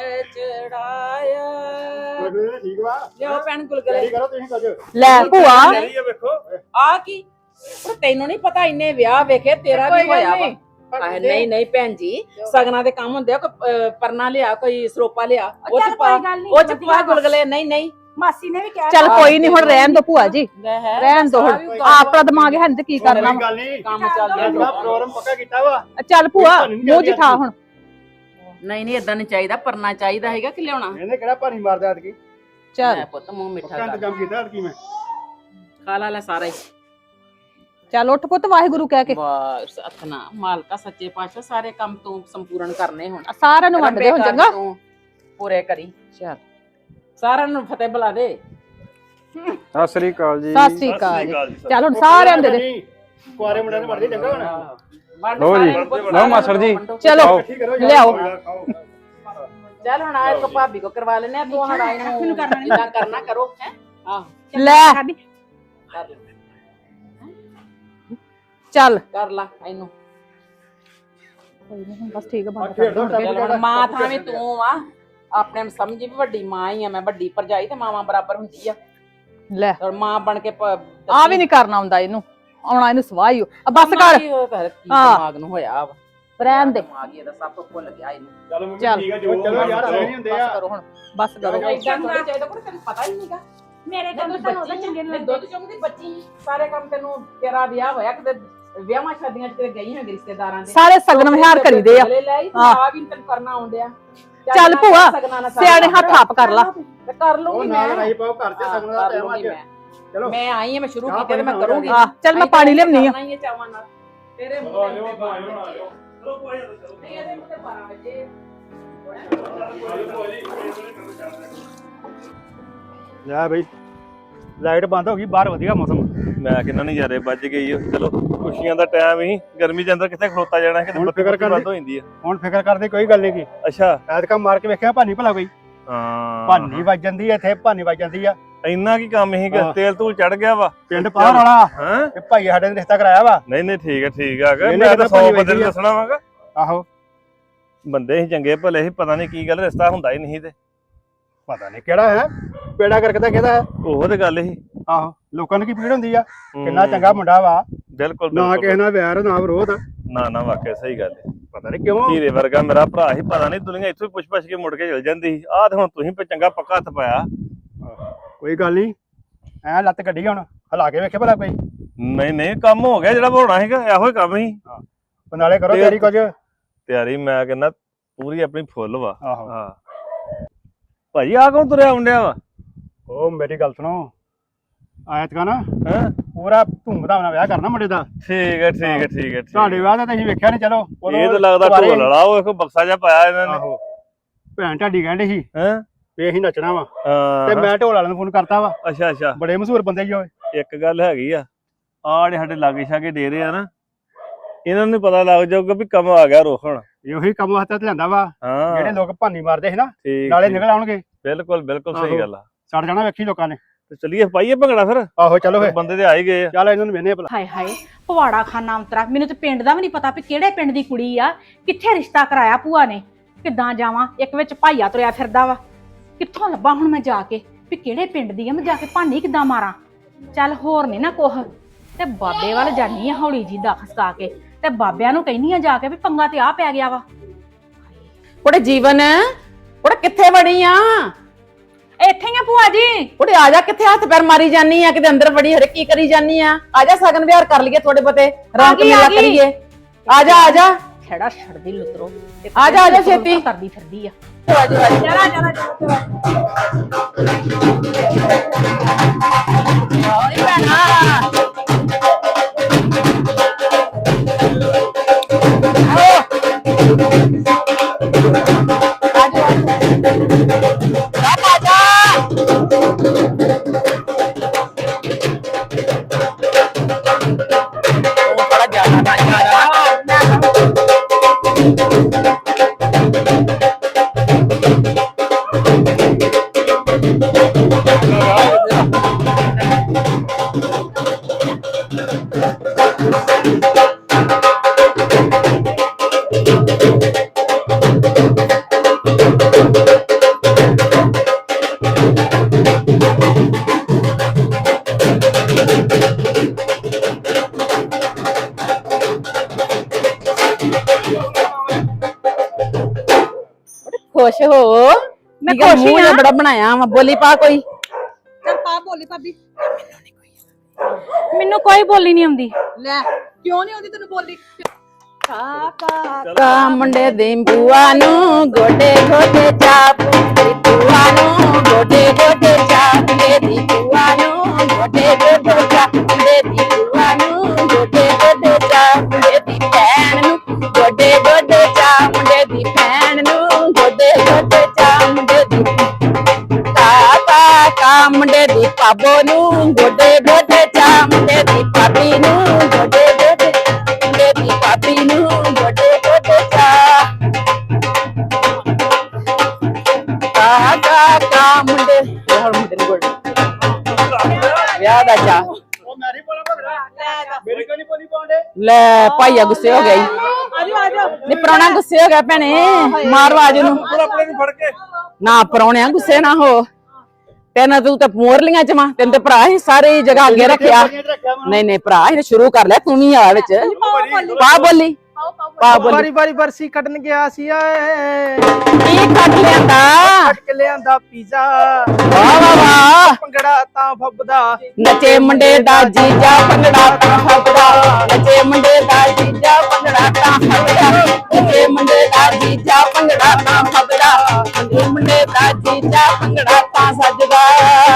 Speaker 3: ਚੜਾਇਆ
Speaker 4: ਠੀਕ ਵਾ
Speaker 3: ਲਿਓ ਭੈਣ ਗੁਲਗੁਲੇ
Speaker 4: ਕਰੋ ਤੁਸੀਂ ਕੁਝ
Speaker 2: ਲੈ ਭੂਆ
Speaker 4: ਇਹ ਵੇਖੋ
Speaker 3: ਆ ਕੀ ਪਰ ਤੈਨੂੰ ਨਹੀਂ ਪਤਾ ਇੰਨੇ ਵਿਆਹ ਵੇਖੇ ਤੇਰਾ
Speaker 2: ਕੋਈ
Speaker 3: ਵੀ
Speaker 2: ਗੱਲ
Speaker 3: ਹੋਇਆ ਵਾ
Speaker 2: ਨਹੀਂ।
Speaker 3: ਆਹ ਨਹੀਂ ਨਹੀਂ ਭੈਣ ਜੀ, ਸਗਨਾਂ ਦੇ ਕੰਮ ਹੁੰਦੇ ਆ, ਕੋਈ ਅਹ, ਪਰਨਾ ਲਿਆ, ਕੋਈ ਸਰੋਪਾ ਲਿਆ, ਉਹ ਚ ਪਾ, ਉਹ ਚ ਪਾ ਗੁਲਗਲੇ। ਨਹੀਂ ਨਹੀਂ
Speaker 1: ਮਾਸੀ ਨੇ ਵੀ ਕਿਹਾ
Speaker 2: ਚੱਲ ਕੋਈ ਨਹੀਂ, ਹੁਣ ਰਹਿਣ ਦੋ ਭੂਆ ਜੀ,
Speaker 3: ਲੈ ਹੈ
Speaker 2: ਰਹਿਣ ਦੋ ਹੁਣ। ਆਪਣਾ ਦਿਮਾਗ ਹੈ ਤੇ ਕੀ ਕਰਨਾ ਵਾ।
Speaker 5: ਗੱਲ ਨਹੀਂ
Speaker 3: ਕੰਮ ਚੱਲ ਰਿਹਾ।
Speaker 5: ਪ੍ਰੋਗਰਾਮ ਪੱਕਾ ਕੀਤਾ ਵਾ।
Speaker 2: ਚੱਲ ਭੂਆ ਮੂੰਹ ਜਿਠਾ ਹੁਣ।
Speaker 3: ਨਹੀਂ ਨਹੀਂ ਇਦਾਂ ਨਹੀਂ ਚਾਹੀਦਾ, ਪਰਨਾ ਚਾਹੀਦਾ ਹੈਗਾ ਕਿ ਲਿਆਉਣਾ।
Speaker 5: ਇਹਨੇ ਕਿਹੜਾ ਭਾਰੀ ਮਾਰਦਾ ਐਤਕੀ।
Speaker 2: ਚੱਲ
Speaker 3: ਲੈ ਪੁੱਤ ਮੂੰਹ ਮਿੱਠਾ
Speaker 5: ਪੱਕਾ
Speaker 3: ਕਰ,
Speaker 5: ਇੰਤਜ਼ਾਮ ਕੀਤਾ ਐਤਕੀ ਮੈਂ।
Speaker 3: ਖਾ ਲਾ ਲੈ ਸਾਰਾ ਹੀ।
Speaker 2: ਚੱਲ ਉੱਠ ਪੁੱਤ ਵਾਹਿਗੁਰੂ ਕਹਿ ਕੇ।
Speaker 3: ਵਾਹ ਸਤਨਾ ਮਾਲਕਾ ਸੱਚੇ ਪਾਤਸ਼ਾਹ, ਸਾਰੇ ਕੰਮ ਤੂੰ ਸੰਪੂਰਨ ਕਰਨੇ ਹੁਣ,
Speaker 2: ਸਾਰਿਆਂ ਨੂੰ ਵੰਡ ਦੇ ਹੁਣ, ਚੰਗਾ।
Speaker 3: ਤੂੰ ਪੂਰੇ ਕਰੀ। ਚੱਲ ਸਾਰਿਆਂ ਨੂੰ ਫਤਿਹ ਬੁਲਾ ਦੇ।
Speaker 5: ਸਤਿ ਸ੍ਰੀ ਅਕਾਲ ਜੀ।
Speaker 2: ਸਤਿ ਸ੍ਰੀ ਅਕਾਲ ਜੀ। ਚੱਲ ਹੁਣ ਸਾਰਿਆਂ ਨੂੰ ਦੇ ਦੇ।
Speaker 5: ਕੁਆਰੇ ਮੁੰਡਿਆਂ ਨੂੰ ਵੜਦੇ ਚੰਗਾ ਹੁਣ।
Speaker 3: ਲੋ ਜੀ,
Speaker 5: ਲਓ ਮਾਸੜ ਜੀ।
Speaker 2: ਚਲੋ ਲਿਆਓ।
Speaker 3: ਚੱਲ ਹੁਣ ਆ ਇੱਕ ਭਾਬੀ ਕੋ ਕਰਵਾ ਲੈਨੇ ਆ, ਤੂੰ ਹੁਣ ਆਈ ਨੂੰ ਜਿੱਦਾਂ ਕਰਨਾ ਕਰੋ ਹੈ। ਆਹ
Speaker 2: ਲੈ
Speaker 3: ਕਰ ਲੈ,
Speaker 2: ਚੱਲ
Speaker 3: ਕਰ ਲਾ ਇਹਨੂੰ।
Speaker 2: ਬਸ ਠੀਕ ਹੈ, ਬੰਦ
Speaker 5: ਖੇਡ ਦੋ
Speaker 3: ਚੱਲ ਹੁਣ ਮਾਂ ਥਾਂ ਵੀ ਤੂੰ ਆ, ਆਪਣੇ ਨੂੰ ਸਮਝੀ ਵੀ ਵੱਡੀ ਮਾਂ ਹੀ ਆ ਮੈਂ, ਵੱਡੀ ਭਰਜਾਈ ਤੇ ਮਾਵਾਂ ਬਰਾਬਰ ਹੁੰਦੀ ਆ।
Speaker 2: ਲੈ
Speaker 3: ਔਰ ਮਾਂ ਬਣ ਕੇ ਪ-
Speaker 2: ਆ ਵੀ ਨਹੀਂ ਕਰਨਾ ਹੁੰਦਾ ਇਹਨੂੰ, ਆਉਣਾ ਇਹਨੂੰ ਸਵਾਹ ਹੀ ਓ। ਆ ਬਸ ਕਰ,
Speaker 3: ਕੀ ਉਹ ਕਰ- ਕੀ
Speaker 2: ਹਾਂ।
Speaker 3: ਦਿਮਾਗ ਨੂੰ ਹੋਇਆ ਵਾ,
Speaker 2: ਰਹਿਣ ਦੇ।
Speaker 3: ਦਿਮਾਗ ਹੀ ਇਹਦਾ ਸਭ ਭੁੱਲ ਗਿਆ ਇਹਨੂੰ।
Speaker 5: ਚਲੋ ਮੰਮੀ
Speaker 2: ਚੱਲ।
Speaker 5: ਠੀਕ ਆ ਜੋ ਚਲੋ ਯਾਰ ਐਵੇਂ ਨਹੀਂ ਹੁੰਦੇ
Speaker 2: ਬਸ
Speaker 5: ਆ।
Speaker 2: ਕਰੋ ਹੁਣ, ਬਸ ਕਰੋ।
Speaker 3: ਏਦਾਂ ਥੋੜ੍ਹਾ ਚਾਹੀਦਾ, ਕੋਈ ਤੈਨੂੰ ਪਤਾ ਹੀ ਨਹੀਂਗਾ।
Speaker 1: ਮੇਰੇ
Speaker 3: ਤੈਨੂੰ
Speaker 1: ਕੰਮ ਤਾਂ ਉਹਦਾ
Speaker 3: ਬੱਚੀ
Speaker 1: ਚੰਗੇ
Speaker 3: ਨੇ
Speaker 1: ਨਹੀਂ
Speaker 3: ਦੁੱਧ ਚੁੰਗਦੀ ਬੱਚੀ ਸੀ। ਸਾਰੇ ਕੰਮ ਤੈਨੂੰ, ਤੇਰਾ ਵਿਆਹ ਹੋਇਆ ਕਿਤੇ ਵਿਆਹਾਂ ਸ਼ਾਦੀਆਂ ਚ ਕਿਤੇ ਗਈ ਹੈ ਰਿਸ਼ਤੇਦਾਰਾਂ ਦੇ,
Speaker 2: ਸਾਰੇ ਸਗਨ ਵਿਹਾਰ ਕਰੀਦੇ ਆ।
Speaker 3: ਲੈ ਲਈ ਤੂੰ
Speaker 2: ਹਾਂ।
Speaker 3: ਆ ਵੀ ਨੀ ਤੈਨੂੰ ਕਰਨਾ ਆਉਂਦਿਆ।
Speaker 2: ਚੱਲ ਭੂਆ, ਸਿਆਣੇ ਹੱਥ ਆਪ ਕਰ ਲਾ।
Speaker 3: ਤੇ ਕਰ
Speaker 5: ਉਹ
Speaker 3: ਲੂੰਗੀ
Speaker 5: ਨਾਲ
Speaker 3: ਮੈਂ,
Speaker 5: ਰਾਈ ਪਾਓ ਘਰ ਚ
Speaker 3: ਹਾਂ,
Speaker 5: ਸਗਨ ਦਾ
Speaker 3: ਕਰ
Speaker 5: ਟਾਈਮ
Speaker 3: ਲੂੰਗੀ
Speaker 5: ਅੱਜ।
Speaker 3: ਮੈਂ।
Speaker 5: ਚਲੋ
Speaker 3: ਮੈਂ ਆਈ ਆ, ਮੈਂ ਸ਼ੁਰੂ
Speaker 5: ਚਾਹ
Speaker 3: ਕੀਤੇ ਤੇ ਮੈਂ
Speaker 5: ਪਾਣੀ
Speaker 3: ਕਰੂੰਗੀ।
Speaker 2: ਆ ਚੱਲ ਮੈਂ ਪਾਣੀ ਲਿਆਉਣੀ ਆ।
Speaker 3: ਕਰਨਾ ਹੀ ਹੈ ਚਾਵਾਂ ਨਾਲ। ਤੇਰੇ ਮੂੰਹ ਤੇ ਨਹੀਂ, ਇਹਦੇ ਮੂੰਹ ਤੇ ਬਾਰਾਂ ਵਜੇ
Speaker 5: ਲੈ ਬਈ ਲਾਈਟ ਬੰਦ ਹੋ ਗਈ, ਬਾਹਰ ਵਧੀਆ ਮੌਸਮ।
Speaker 4: ਮੈਂ ਕਿੰਨਾ ਨਜ਼ਾਰੇ ਵੱਜ ਗਈ ਓ। ਚਲੋ ਖੁਸ਼ੀਆਂ ਦਾ ਟਾਈਮ ਹੀ, ਗਰਮੀ ਦੇ ਅੰਦਰ ਕਿੱਥੇ ਖਲੋਤਾ ਜਾਣਾ, ਕਿਤੇ
Speaker 5: ਹੁਣ
Speaker 4: ਬੱਤੀ
Speaker 5: ਫਿਕਰ
Speaker 4: ਬੰਦ
Speaker 5: ਕਰਨੀ।
Speaker 4: ਹੋ ਜਾਂਦੀ ਆ।
Speaker 5: ਹੁਣ ਫਿਕਰ ਕਰਦੇ ਕੋਈ ਗੱਲ ਨਹੀਂ ਕੀ।
Speaker 4: ਅੱਛਾ
Speaker 5: ਐਤਕਾਂ ਮਾਰ ਕੇ ਵੇਖਿਆ ਭਾਨੀ ਭਲਾ ਕੋਈ।
Speaker 4: ਹਾਂ
Speaker 5: ਭਾਨੀ ਵੱਜ ਜਾਂਦੀ ਐ ਇੱਥੇ, ਭਾਨੀ ਵੱਜ ਜਾਂਦੀ ਆ।
Speaker 4: ਇੰਨਾ ਕੀ ਕੰਮ ਸੀਗਾ,
Speaker 5: ਹਾਂ।
Speaker 4: ਤੇਲ ਤੂਲ ਚੜ ਗਿਆ ਵਾ
Speaker 5: ਪਿੰਡ ਪਾਰ ਵਾਲਾ
Speaker 4: ਹਾਂ।
Speaker 5: ਤੇ ਭਾਈ ਸਾਡੇ ਨੇ ਰਿਸ਼ਤਾ ਕਰਾਇਆ ਵਾ।
Speaker 4: ਨਹੀਂ ਨਹੀਂ ਠੀਕ ਹੈ ਠੀਕ ਆ।
Speaker 5: ਇਹਨੇ
Speaker 4: ਮੈਂ ਤਾਂ
Speaker 5: ਕਿੱਦਾਂ
Speaker 4: ਸੌ
Speaker 5: ਭਾਜੀ
Speaker 4: ਬੰਦੇ ਨੂੰ
Speaker 5: ਵੇਖੀ ਆ।
Speaker 4: ਦੱਸਣਾ ਵਾਗਾ,
Speaker 5: ਆਹੋ
Speaker 4: ਬੰਦੇ ਸੀ ਚੰਗੇ ਭਲੇ ਸੀ, ਪਤਾ ਨਹੀਂ ਕੀ ਗੱਲ, ਰਿਸ਼ਤਾ ਹੁੰਦਾ ਹੀ ਨਹੀਂ ਤੇ।
Speaker 5: ਪਤਾ ਨਹੀਂ ਕਿਹੜਾ ਹੈ, ਪੇੜਾ ਕਰਕੇ ਤਾਂ ਕਿਹਦਾ ਹੈ।
Speaker 4: ਉਹ ਤੇ ਗੱਲ ਸੀ।
Speaker 5: ਆਹੋ ਲੋਕਾਂ ਨੂੰ ਕੀ ਪੀੜ ਹੁੰਦੀ ਆ।
Speaker 4: ਹੂੰ।
Speaker 5: ਕਿੰਨਾ ਚੰਗਾ ਮੁੰਡਾ ਵਾ,
Speaker 4: ਬਿਲਕੁਲ
Speaker 5: ਨਾ
Speaker 4: ਬਿਲਕੁਲ।
Speaker 5: ਕਿਸੇ ਨਾਲ ਵੈਰ ਨਾ ਵਿਰੋਧ।
Speaker 4: ਨਾ ਨਾ ਵਾਕਿਆ ਸਹੀ ਗੱਲ ਹੈ।
Speaker 5: ਪਤਾ ਨਹੀਂ ਕਿਉਂ।
Speaker 4: ਹੀਰੇ ਵਰਗਾ ਮੇਰਾ ਭਰਾ ਸੀ, ਪਤਾ ਨਹੀਂ ਦੁਨੀਆ ਇੱਥੋਂ ਹੀ ਪੁੱਛ ਪੁੱਛ ਕੇ ਮੁੜ ਕੇ ਚਲ ਜਾਂਦੀ ਸੀ। ਆਹ ਤੇ ਹੁਣ ਤੁਸੀਂ ਪੇ ਚੰਗਾ ਪੱਕਾ ਹੱਥ ਪਾਇਆ।
Speaker 5: ਕੋਈ ਗੱਲ ਨਹੀਂ, ਐ ਲੱਤ ਕੱਢੀ ਹੁਣ, ਹਲਾ ਕੇ ਵੇਖੇ ਭਲਾ ਕੋਈ।
Speaker 4: ਨਹੀਂ ਨਹੀਂ ਕੰਮ ਹੋ ਗਿਆ ਜਿਹੜਾ ਹੋਣਾ ਸੀਗਾ, ਇਹੋ ਹੀ ਕੰਮ ਸੀ।
Speaker 5: ਉਹ ਨਾਲੇ ਕਰੋ
Speaker 4: ਤੇ-
Speaker 5: ਤਿਆਰੀ ਕੁਝ।
Speaker 4: ਤਿਆਰੀ ਮੈਂ ਕਹਿੰਦਾ ਪੂਰੀ ਆਪਣੀ ਫੁੱਲ ਵਾ।
Speaker 5: ਆਹੋ
Speaker 4: ਹਾਂ ਭਾਜੀ ਆ ਕੌਣ ਤੁਰਿਆ ਆਉਂਦਿਆ ਵਾ?
Speaker 5: ਉਹ ਮੇਰੀ ਗੱਲ ਸੁਣੋ, ਐਤਕਾਂ ਨਾ
Speaker 4: ਹਾਂ
Speaker 5: ਪੂਰਾ ਧੂਮਧਾਮ ਨਾਲ ਵਿਆਹ ਕਰਨਾ ਮੁੰਡੇ ਦਾ।
Speaker 4: ਠੀਕ ਹੈ ਠੀਕ ਹੈ ਠੀਕ ਹੈ ਠੀਕ
Speaker 5: ਤੁਹਾਡੇ
Speaker 4: ਹੈ।
Speaker 5: ਵਿਆਹ ਦਾ ਤਾਂ ਅਸੀਂ ਵੇਖਿਆ ਨਹੀਂ। ਚਲੋ ਉਦੋਂ
Speaker 4: ਇਹ ਤਾਂ ਲੱਗਦਾ
Speaker 5: ਦੁਬਾਰੇ-
Speaker 4: ਢੋਲ ਵਾਲਾ, ਉਹ ਇੱਕ ਬਕਸਾ ਜਿਹਾ ਪਾਇਆ ਇਹਨਾਂ ਨੇ।
Speaker 5: ਆਹੋ ਭੈਣ ਢਾਡੀ ਕਹਿੰਦੇ ਸੀ
Speaker 4: ਹੈਂ
Speaker 5: ਵੀ ਅਸੀਂ ਨੱਚਣਾ ਵਾ,
Speaker 4: ਹਾਂ
Speaker 5: ਤੇ ਮੈਂ ਢੋਲ ਵਾਲਿਆਂ ਨੂੰ ਫੋਨ ਕਰਤਾ ਵਾ।
Speaker 4: ਅੱਛਾ ਅੱਛਾ।
Speaker 5: ਬੜੇ ਮਸ਼ਹੂਰ ਬੰਦੇ ਜੀ ਉਹ।
Speaker 4: ਇੱਕ ਗੱਲ ਹੈਗੀ ਆ, ਆਹ ਜਿਹੜੇ ਸਾਡੇ ਲਾਗੇ ਛਾਗੇ ਡੇਰੇ ਆ ਨਾ, ਇਹਨਾਂ ਨੂੰ ਪਤਾ ਲੱਗ ਜਾਊਗਾ ਵੀ ਕੰਮ ਆ ਗਿਆ ਰੋਕਣ।
Speaker 5: ਇਹੀ ਕੰਮ ਵਾਸਤੇ ਤੇ ਲਿਆਂਦਾ ਵਾ।
Speaker 4: ਹਾਂ
Speaker 5: ਜਿਹੜੇ ਲੋਕ ਭਾਨੀ ਮਾਰਦੇ ਸੀ ਨਾ,
Speaker 4: ਠੀਕ
Speaker 5: ਨਾਲੇ
Speaker 4: ਠੀਕ।
Speaker 5: ਨਿਕਲ ਆਉਣਗੇ।
Speaker 4: ਬਿਲਕੁਲ ਬਿਲਕੁਲ ਸਹੀ
Speaker 5: ਆਹੋ।
Speaker 4: ਗੱਲ ਆ।
Speaker 5: ਸੜ ਜਾਣਾ ਵੇਖੀ ਲੋਕਾਂ ਨੇ।
Speaker 4: ਤੇ ਚਲੀਏ ਪਾਈਏ ਭੰਗੜਾ ਫਿਰ।
Speaker 5: ਆਹੋ ਚਲੋ ਫੇ,
Speaker 4: ਬੰਦੇ ਤੇ ਆ ਹੀ ਗਏ ਆ।
Speaker 5: ਚੱਲ ਇਹਨਾਂ ਨੂੰ ਵੇਨੇ ਭਲਾ।
Speaker 1: ਹਾਏ ਹਾਏ ਪਵਾੜਾ ਖਾਨਾ ਅੰਤਰਾ, ਮੈਨੂੰ ਤੇ ਪਿੰਡ ਦਾ ਵੀ ਨਹੀਂ ਪਤਾ ਵੀ ਕਿਹੜੇ ਪਿੰਡ ਦੀ ਕੁੜੀ ਆ, ਕਿੱਥੇ ਰਿਸ਼ਤਾ ਕਰਾਇਆ ਭੂਆ ਨੇ। ਕਿੱਦਾਂ ਜਾਵਾਂ, ਇੱਕ ਵਿੱਚ ਭਾਈਆ ਤੁਰਿਆ ਫਿਰਦਾ ਵਾ, ਕਿੱਥੋਂ ਲੱਭਾਂ ਹੁਣ ਮੈਂ ਜਾ ਕੇ ਵੀ ਕਿਹੜੇ ਪਿੰਡ ਦੀ ਆ, ਮੈਂ ਜਾ ਕੇ ਭਾਨੀ ਕਿੱਦਾਂ ਮਾਰਾਂ। ਚੱਲ ਹੋਰ ਨਹੀਂ ਨਾ ਕੁਛ, ਤੇ ਬਾਬੇ ਵੱਲ ਜਾਨੀ ਆ ਹੌਲੀ ਜੀ ਦਾ ਖਸਕਾ ਕੇ, ਤੇ ਬਾਬਿਆਂ ਨੂੰ ਕਹਿੰਨੀ ਆ ਜਾ ਕੇ ਵੀ ਪੰਗਾ ਤੇ ਆ ਪੈ ਗਿਆ ਵਾ।
Speaker 3: ਉਹਦੇ ਜੀਵਨ, ਉਹਦੇ ਕਿੱਥੇ ਵੜੀ ਆ?
Speaker 1: ਇੱਥੇ ਹੀ ਆ ਭੂਆ ਜੀ।
Speaker 3: ਉਹਦੇ ਆ ਜਾ, ਕਿੱਥੇ ਹੱਥ ਪੈਰ ਮਾਰੀ ਜਾਨੀ ਆ, ਕਿਤੇ ਅੰਦਰ ਵੜੀ ਹਰੇ ਕੀ ਕਰੀ ਜਾਨੀ ਆ? ਆ ਜਾ ਸਗਨ ਵਿਹਾਰ ਕਰ ਲਈਏ, ਥੋੜੇ ਬਤੇ ਰੌਣਕ
Speaker 1: ਗਈ, ਆ
Speaker 3: ਮੇਲਾ
Speaker 1: ਗਈ।
Speaker 3: ਕਰੀਏ। ਆ ਜਾ ਆ ਜਾ
Speaker 1: ਖੜਾ ਛੱਡਦੀ ਲੁਤਰੋ,
Speaker 3: ਆ ਜਾ, ਆ ਜਾ ਛੇਤੀ।
Speaker 1: ਕਰਦੀ ਫਿਰਦੀ ਆ।
Speaker 3: ਆ ਜਾ, ਆ ਜਾ।
Speaker 1: ਚਲਾ ਚਲਾ ਚਲਾ
Speaker 3: ਓਏ ਭੈਣਾ, ਉਹ ਬੜਾ ਜ਼ਿਆਦਾ ਖੁਸ਼ ਹੋ।
Speaker 1: ਮੈਂ
Speaker 3: ਠੀਕ ਆ,
Speaker 1: ਖੁਸ਼ ਹੀ
Speaker 3: ਮੂੰਹ ਜਿਹਾ
Speaker 1: ਆਂ।
Speaker 3: ਬੜਾ ਬਣਾਇਆ ਵਾ, ਬੋਲੀ ਪਾ ਕੋਈ।
Speaker 2: ਚੱਲ ਪਾ ਬੋਲੀ ਭਾਬੀ।
Speaker 1: ਮੈਨੂੰ ਕੋਈ ਬੋਲੀ ਨਹੀਂ ਆਉਂਦੀ।
Speaker 2: ਲੈ ਕਿਉਂ ਨਹੀਂ ਆਉਂਦੀ ਤੈਨੂੰ ਬੋਲੀ? ਕਾ ਕਾ
Speaker 3: ਕਾ ਮੁੰਡੇ ਦੀ ਬੂਆ ਨੂੰ ਗੋਡੇ ਗੋਡੇ ਚਾਪ, ਤੇਰੀ ਬੂਆ ਨੂੰ ਗੋਡੇ ਗੋਡੇ ਚਾਪ, ਮੁੰਡੇ ਦੀ ਬੂਆ ਨੂੰ ਗੋਡੇ ਗੋਡੇ ਚਾਪ, ਮੁੰਡੇ ਦੀ ਬੂਆ ਨੂੰ ਗੋਡੇ ਗੋਡੇ ਚਾਪ, ਮੁੰਡੇ ਦੀ ਭੈਣ ਨੂੰ ਗੋਡੇ ਗੋਡੇ ਚਾਪ, ਮੁੰਡੇ ਦੀ ਭੈਣ ਨੂੰ ਗੋਡੇ ਗੋਡੇ ਚਾਪ, ਮੁੰਡੇ ਦੀ ਕਾ ਕਾ ਕਾ ਮੁੰਡੇ ਦੀ ਪਾਬੋ ਨੂੰ ਗੋਡੇ ਗੋਡੇ ਚਾਪ, ਮੁੰਡੇ ਦੀ ਭਾਬੀ ਨੂੰ ਗੋਡੇ ਗੋਡੇ, ਮੁੰਡੇ ਦੀ ਭਾਬੀ ਨੂੰ ਗੋਡੇ ਗੋਡੇ ਚਾਪ, ਕਾ ਕਾ ਕਾ ਮੁੰਡੇ ਹੋਰ ਮੁੰਡੇ ਨੂੰ ਗੋਡੇ ਵਿਆਹ ਦਾ ਚਾਹ।
Speaker 5: ਉਹ ਮੈਰੀ ਬੋਲਾ ਭਗੜਾ ਮੇਰੇ ਕੋਲ ਨਹੀਂ ਬੋਲੀ ਪਾਉਂਦੇ।
Speaker 3: ਲੈ ਭਾਈਆ ਗੁੱਸੇ ਹੋ ਗਿਆ ਈ।
Speaker 2: ਆਜੋ ਆਜੋ।
Speaker 3: ਨੀ ਪ੍ਰਾਹੁਣਾ ਗੁੱਸੇ ਹੋ ਗਿਆ ਭੈਣੇ, ਮਾਰ ਆਵਾਜ਼ ਉਹਨੂੰ।
Speaker 4: ਆਪਣੇ ਨੂੰ ਫੜ ਕੇ
Speaker 3: ਨਾ ਪ੍ਰਾਹੁਣਿਆ ਗੁੱਸੇ ਨਾ ਹੋ, ਤੈਨੂੰ ਤੂੰ ਤਾਂ ਮੋਰ ਲੀਆਂ ਚ ਮਾਂ, ਤੈਨੂੰ ਤੇ ਭਰਾ ਹੀ ਸਾਰੀ ਜਗ੍ਹਾ ਅੱਗੇ ਰੱਖਿਆ। ਨਹੀਂ ਨਹੀਂ ਭਰਾ ਇਹਨੇ ਸ਼ੁਰੂ ਕਰ ਲਿਆ, ਤੂੰ ਵੀ ਆ ਵਿੱਚ ਪਾ ਬੋਲੀ ਪਾ ਬੋਲੀ।
Speaker 6: ਬਾਰੀ ਬਾਰੀ ਬਰਸੀ ਕੱਢਣ ਗਿਆ ਸੀ ਏ,
Speaker 3: ਕੀ ਕੱਟ ਲਿਆਂਦਾ?
Speaker 6: ਕੱਟ ਕੇ ਲਿਆਂਦਾ ਪੀਜ਼ਾ,
Speaker 3: ਵਾਹ ਵਾਹ ਵਾਹ,
Speaker 6: ਭੰਗੜਾ ਤਾਂ ਫੱਬਦਾ,
Speaker 3: ਨੱਚੇ ਮੁੰਡੇ ਦਾ ਜੀਜਾ ਭੰਗੜਾ ਤਾਂ ਫੱਬਦਾ, ਨੱਚੇ ਮੁੰਡੇ ਦਾ ਜੀਜਾ ਭੰਗੜਾ ਤਾਂ ਫੱਬਦਾ, ਨੱਚੇ ਮੁੰਡੇ ਦਾ ਜੀਜਾ ਭੰਗੜਾ ਤਾਂ ਫੱਬਦਾ, ਨੱਚੇ ਮੁੰਡੇ ਦਾ ਜੀਜਾ ਭੰਗੜਾ ਤਾਂ ਸੱਜਦਾ।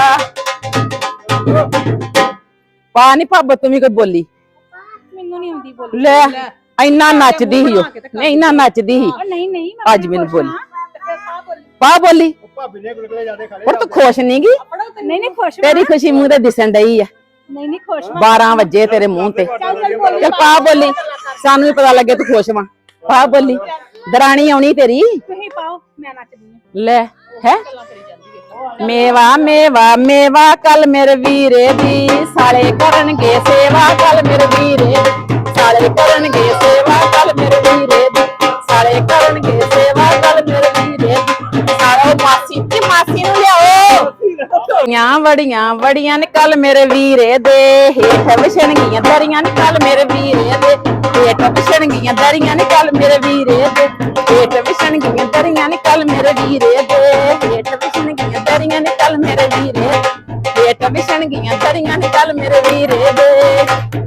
Speaker 3: ਪਾ ਨੀ ਭੱਬ ਤੂੰ ਵੀ ਕੋਈ ਬੋਲੀ।
Speaker 1: ਮੈਨੂੰ ਨਹੀਂ ਆਉਂਦੀ ਬੋਲੀ।
Speaker 3: ਲੈ ਇੰਨਾ ਨੱਚਦੀ ਸੀ ਉਹ, ਨਹੀਂ ਇੰਨਾ ਨੱਚਦੀ ਸੀ।
Speaker 1: ਉਹ ਨਹੀਂ ਨਹੀਂ ਮੈਂ
Speaker 3: ਅੱਜ ਮੈਨੂੰ ਬੋਲੀ
Speaker 2: ਪਾ ਬੋਲੀ।
Speaker 3: ਪਾ ਬੋਲੀ।
Speaker 5: ਉਹ ਭਾਬੀ ਨੇ ਗੁਲਗੁਲੇ ਜਿਆਦੇ ਖਾ ਲਏ।
Speaker 3: ਪਰ ਤੂੰ ਖੁਸ਼ ਨੀ ਗੀ?
Speaker 1: ਨਹੀਂ ਨਹੀਂ ਖੁਸ਼
Speaker 3: ਤੇਰੀ ਖੁਸ਼ੀ ਮੂੰਹ ਤੇ ਦਿਸਣ ਡਈ ਆ।
Speaker 1: ਨਹੀਂ ਨਹੀਂ ਖੁਸ਼
Speaker 3: ਬਾਰਾਂ ਵਜੇ ਤੇਰੇ ਮੂੰਹ ਤੇ। ਚੱਲ ਪਾ ਬੋਲੀ, ਸਾਨੂੰ ਵੀ ਪਤਾ ਲੱਗੇ ਤੂੰ ਖੁਸ਼ ਵਾਂ। ਪਾ ਬੋਲੀ, ਦਰਾਣੀ ਆਉਣੀ ਤੇਰੀ।
Speaker 1: ਤੁਸੀਂ ਪਾਓ, ਮੈਂ ਨੱਚਦੀ ਹਾਂ।
Speaker 3: ਲੈ ਹੈ ਮੇਵਾ ਮੇਵਾ ਮੇਵਾ ਕੱਲ ਮੇਰੇ ਵੀਰੇ ਦੀ, ਸਾਲੇ ਕਰਨਗੇ ਸੇਵਾ ਕੱਲ ਮੇਰੇ ਵੀਰੇ ਦੀ, ਸਾਲੇ ਕਰਨਗੇ ਸੇਵਾ ਕੱਲ ਮੇਰੇ ਵੀਰੇ ਦੀ, ਸਾਲੇ ਕਰਨਗੇ ਸੇਵਾ ਕੱਲ ਮੇਰੇ ਵੀਰੇ ਦੀ, ਸਾਲੇ ਮਾਸੀ ਤੇ ਮਾਸੀ ਨੂੰ ਲਿਆਓ। ਆਂ ਵੜੀਆਂ ਵੜੀਆਂ ਨੇ ਕੱਲ ਮੇਰੇ ਵੀਰੇ ਦੇ, ਹੇਠ ਵਿਛਣਗੀਆਂ ਦਰੀਆਂ ਨੇ ਕੱਲ ਮੇਰੇ ਵੀਰੇ ਦੇ, ਹੇਠ ਵਿਛਣਗੀਆਂ ਦਰੀਆਂ ਨੇ ਕੱਲ ਮੇਰੇ ਵੀਰੇ ਦੇ, ਹੇਠ ਵਿਛਣਗੀਆਂ ਦਰੀਆਂ ਨੇ ਕੱਲ ਮੇਰੇ ਵੀਰੇ ਦੇ, ਹੇਠ ਵਿਛਣਗੀਆਂ ਦਰੀਆਂ ਨੇ ਕੱਲ ਮੇਰੇ ਵੀਰੇ, ਹੇਠ ਵਿਛਣਗੀਆਂ ਦਰੀਆਂ ਨੇ ਕੱਲ ਮੇਰੇ ਵੀਰੇ ਦੇ।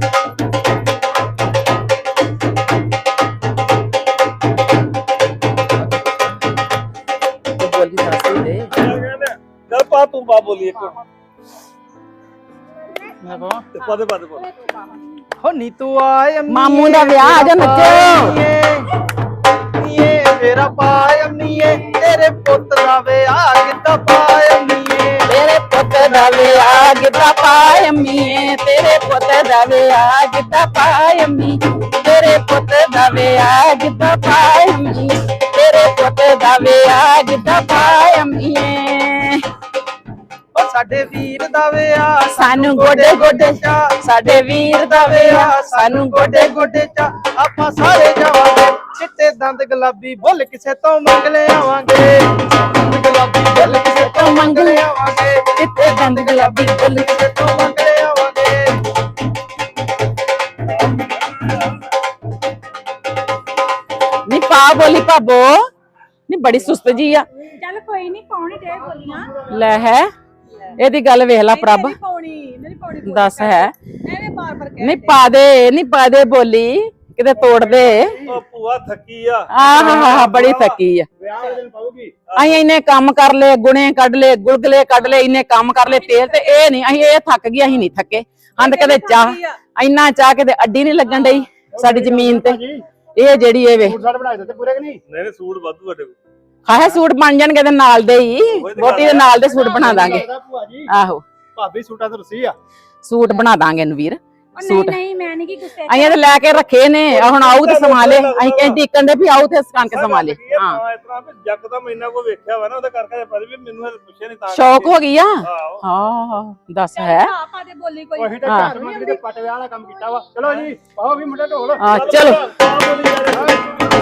Speaker 3: ਬੋਲੀ ਸਾਸੀ ਦੇ
Speaker 4: ਚੱਲ ਪਾ ਤੂੰ ਪਾ ਬੋਲੀ ਇੱਕ
Speaker 6: ਮੈਂ ਕਹਾਂ
Speaker 4: ਤੇ ਪਾ ਦੇ ਪਾ ਦੇ ਪਾ ਦੇ।
Speaker 6: ਹੋ ਨੀ ਤੂੰ ਆਏ ਅੰਮੀਏ,
Speaker 3: ਮਾਮੂ ਦਾ ਵਿਆਹ ਆ ਜਾ ਨੱਚੋ।
Speaker 6: ਨੀਏ ਮੇਰਾ ਪਾਏ ਅੰਮੀਏ, ਤੇਰੇ ਪੁੱਤ ਦਾ ਵਿਆਹ ਕਿੱਦਾਂ ਪਾਏ ਅੰਮੀਏ,
Speaker 3: ਤੇਰੇ ਪੁੱਤ ਦਾ ਵਿਆਹ ਗਿੱਧਾ ਪਾਏ ਅੰਮੀਏ, ਤੇਰੇ ਪੁੱਤ ਦਾ ਵਿਆਹ ਗਿੱਧਾ ਪਾਏ ਅੰਮੀ, ਤੇਰੇ ਪੁੱਤ ਦਾ ਵਿਆਹ ਗਿੱਧਾ ਪਾਏ ਅੰਮੀ, ਤੇਰੇ ਪੁੱਤ ਦਾ ਵਿਆਹ ਗਿੱਧਾ ਪਾਏ ਅੰਮੀਏ।
Speaker 6: ਉਹ ਸਾਡੇ ਵੀਰ ਦਾ ਵਿਆਹ
Speaker 3: ਸਾਨੂੰ ਗੋਡੇ ਗੋਡੇ ਚਾ, ਸਾਡੇ ਵੀਰ ਦਾ ਵਿਆਹ ਸਾਨੂੰ ਗੋਡੇ ਗੋਡੇ ਚਾ,
Speaker 6: ਆਪਾਂ ਸਾਰੇ ਜਾਵਾਂਗੇ, ਚਿੱਟੇ ਦੰਦ ਗੁਲਾਬੀ ਬੁੱਲ ਕਿਸੇ ਤੋਂ ਮੰਗ ਲੈ ਆਵਾਂਗੇ, ਗੁਲਾਬੀ ਬੁੱਲ ਕਿਸੇ ਤੋਂ ਮੰਗ ਲੈ ਆਵਾਂਗੇ,
Speaker 3: ਚਿੱਟੇ ਦੰਦ ਗੁਲਾਬੀ ਬੁੱਲ
Speaker 6: ਕਿਸੇ ਤੋਂ ਮੰਗ ਲੈ ਆਵਾਂਗੇ।
Speaker 3: ਨੀ ਪਾ ਬੋਲੀ ਭਾਬੋ, ਨੀ ਬੜੀ ਸੁਸਤ ਜੀ ਆ।
Speaker 1: ਚੱਲ ਕੋਈ ਨਹੀਂ ਪਾਉਣੀ ਤੇ ਬੋਲੀਆਂ।
Speaker 3: ਲੈ ਹੈ ਇਹਦੀ ਗੱਲ ਵੇਖ ਲੈ ਪ੍ਰਭ,
Speaker 2: ਨਹੀਂ ਪਾਉਣੀ ਨਹੀਂ ਪਾਉਣੀ ਬੋਲੀ।
Speaker 3: ਦੱਸ ਹੈ
Speaker 2: ਐਵੇਂ ਬਾਰ ਬਾਰ ਕਹਿ
Speaker 3: ਨਹੀਂ ਪਾ ਦੇ, ਨਹੀਂ ਪਾ ਦੇ ਬੋਲੀ, ਕਿਤੇ ਤੋੜ ਦੇ।
Speaker 4: ਉਹ ਭੂਆ ਥੱਕੀ ਆ।
Speaker 3: ਆਹ ਹਾ ਹਾ ਬੜੀ ਥੱਕੀ ਆ।
Speaker 5: ਵਿਆਹ ਵਾਲੇ ਦਿਨ ਪਾਉਗੀ।
Speaker 3: ਅਸੀਂ ਇੰਨੇ ਕੰਮ ਕਰ ਲਏ, ਗੁਣੇ ਕੱਢ ਲਏ, ਗੁਲਗਲੇ ਕੱਢ ਲਏ, ਇੰਨੇ ਕੰਮ ਕਰ ਲਏ, ਤੇਲ ਤੇ ਇਹ ਨਹੀਂ, ਅਸੀਂ ਇਹ ਥੱਕ ਗਈ, ਅਸੀਂ ਨਹੀਂ ਥੱਕੇ। ਹੰਦ ਕਦੇ ਚਾਹ, ਇੰਨਾ ਚਾਹ ਕਿਤੇ ਅੱਡੀ ਨਹੀਂ ਲੱਗਣ ਡਈ ਸਾਡੀ ਜ਼ਮੀਨ ਤੇ। ਇਹ ਜਿਹੜੀ ਇਹ ਵੇ
Speaker 5: ਸੂਟ ਸਾਟ ਬਣਾਏ ਦਿੱਤੇ ਪੂਰੇ ਕਿ ਨਹੀਂ?
Speaker 4: ਨਹੀਂ ਨਹੀਂ ਸੂਟ ਵਾਧੂ ਸਾਡੇ ਕੋਲ।
Speaker 3: ਖਾਏ ਸੂਟ ਬਣ ਜਾਣਗੇ ਤੇ ਨਾਲ ਦੇ ਹੀ, ਵੋਟੀ ਦੇ ਨਾਲ ਦੇ ਸੂਟ ਬਣਾ ਦਾਂਗੇ।
Speaker 5: ਭੂਆ ਜੀ
Speaker 3: ਆਹੋ
Speaker 5: ਭਾਬੀ ਸੂਟਾਂ ਤੋਂ ਰੁੱਸੀ ਆ।
Speaker 3: ਸੂਟ ਬਣਾ ਦਾਂਗੇ ਨਵੀਰ।
Speaker 1: ਉਹ ਨਹੀਂ
Speaker 3: ਸੂਟ
Speaker 1: ਨਹੀਂ ਮੈਂ ਨਹੀਂ ਕੀ ਗੁੱਸੇ
Speaker 3: ਅਸੀਂ ਤੇ ਲੈ ਕੇ ਰੱਖੇ ਨੇ, ਆਹ ਹੁਣ ਆਊ ਤੇ ਸਮਾ ਲੈ। ਅਸੀਂ ਕਹਿੰਦੇ ਟਿਕਣ ਦੇ ਵੀ ਆਊ ਤੇ ਸਕਾਂ ਕੇ ਸਮਾ ਲੈ। ਹਾਂ
Speaker 4: ਹਾਂ ਇਸ ਤਰ੍ਹਾਂ ਵੀ ਜੱਗ ਦਾ ਮਹੀਨਾ ਕੋ ਵੇਖਿਆ ਵਾ ਨਾ, ਉਹਦੇ ਕਰਕੇ ਪਤਾ ਵੀ ਮੈਨੂੰ ਹਲੇ ਪੁੱਛਿਆ ਨਹੀਂ ਤਾਂ
Speaker 3: ਸ਼ੌਕ ਹੋ ਗਈ ਆ।
Speaker 4: ਆਹੋ।
Speaker 3: ਹਾਂ ਦੱਸ ਹੈ।
Speaker 2: ਆ ਪਾ ਦੇ ਬੋਲੀ ਕੋਈ।
Speaker 5: ਉਹੀ ਤਾਂ
Speaker 3: ਹਾਂ।
Speaker 5: ਘਰ ਮੰਗਲੀ ਦੇ ਪੱਟ ਵਿਆਹ ਵਾਲਾ ਕੰਮ ਕੀਤਾ ਵਾ। ਚਲੋ ਜੀ ਪਾਓ ਵੀ ਮੁੰਡੇ ਢੋਲ।
Speaker 3: ਹਾਂ ਚਲੋ
Speaker 4: ਪਾ ਬੋਲੀ ਜਾ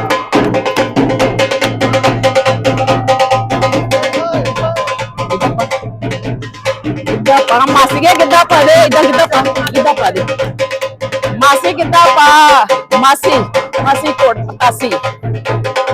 Speaker 3: ਗਿੱਧਾ ਪਾ ਮਾਸੀ ਕੇ ਗਿੱਧਾ ਪਾ ਦੇ, ਇਦਾਂ ਗਿੱਧਾ ਪਾ, ਗਿੱਧਾ ਪਾ ਦੇ ਮਾਸੀ, ਗਿੱਧਾ ਪਾ ਮਾਸੀ, ਮਾਸੀ ਕੋਟ ਪਤਾਸੀ।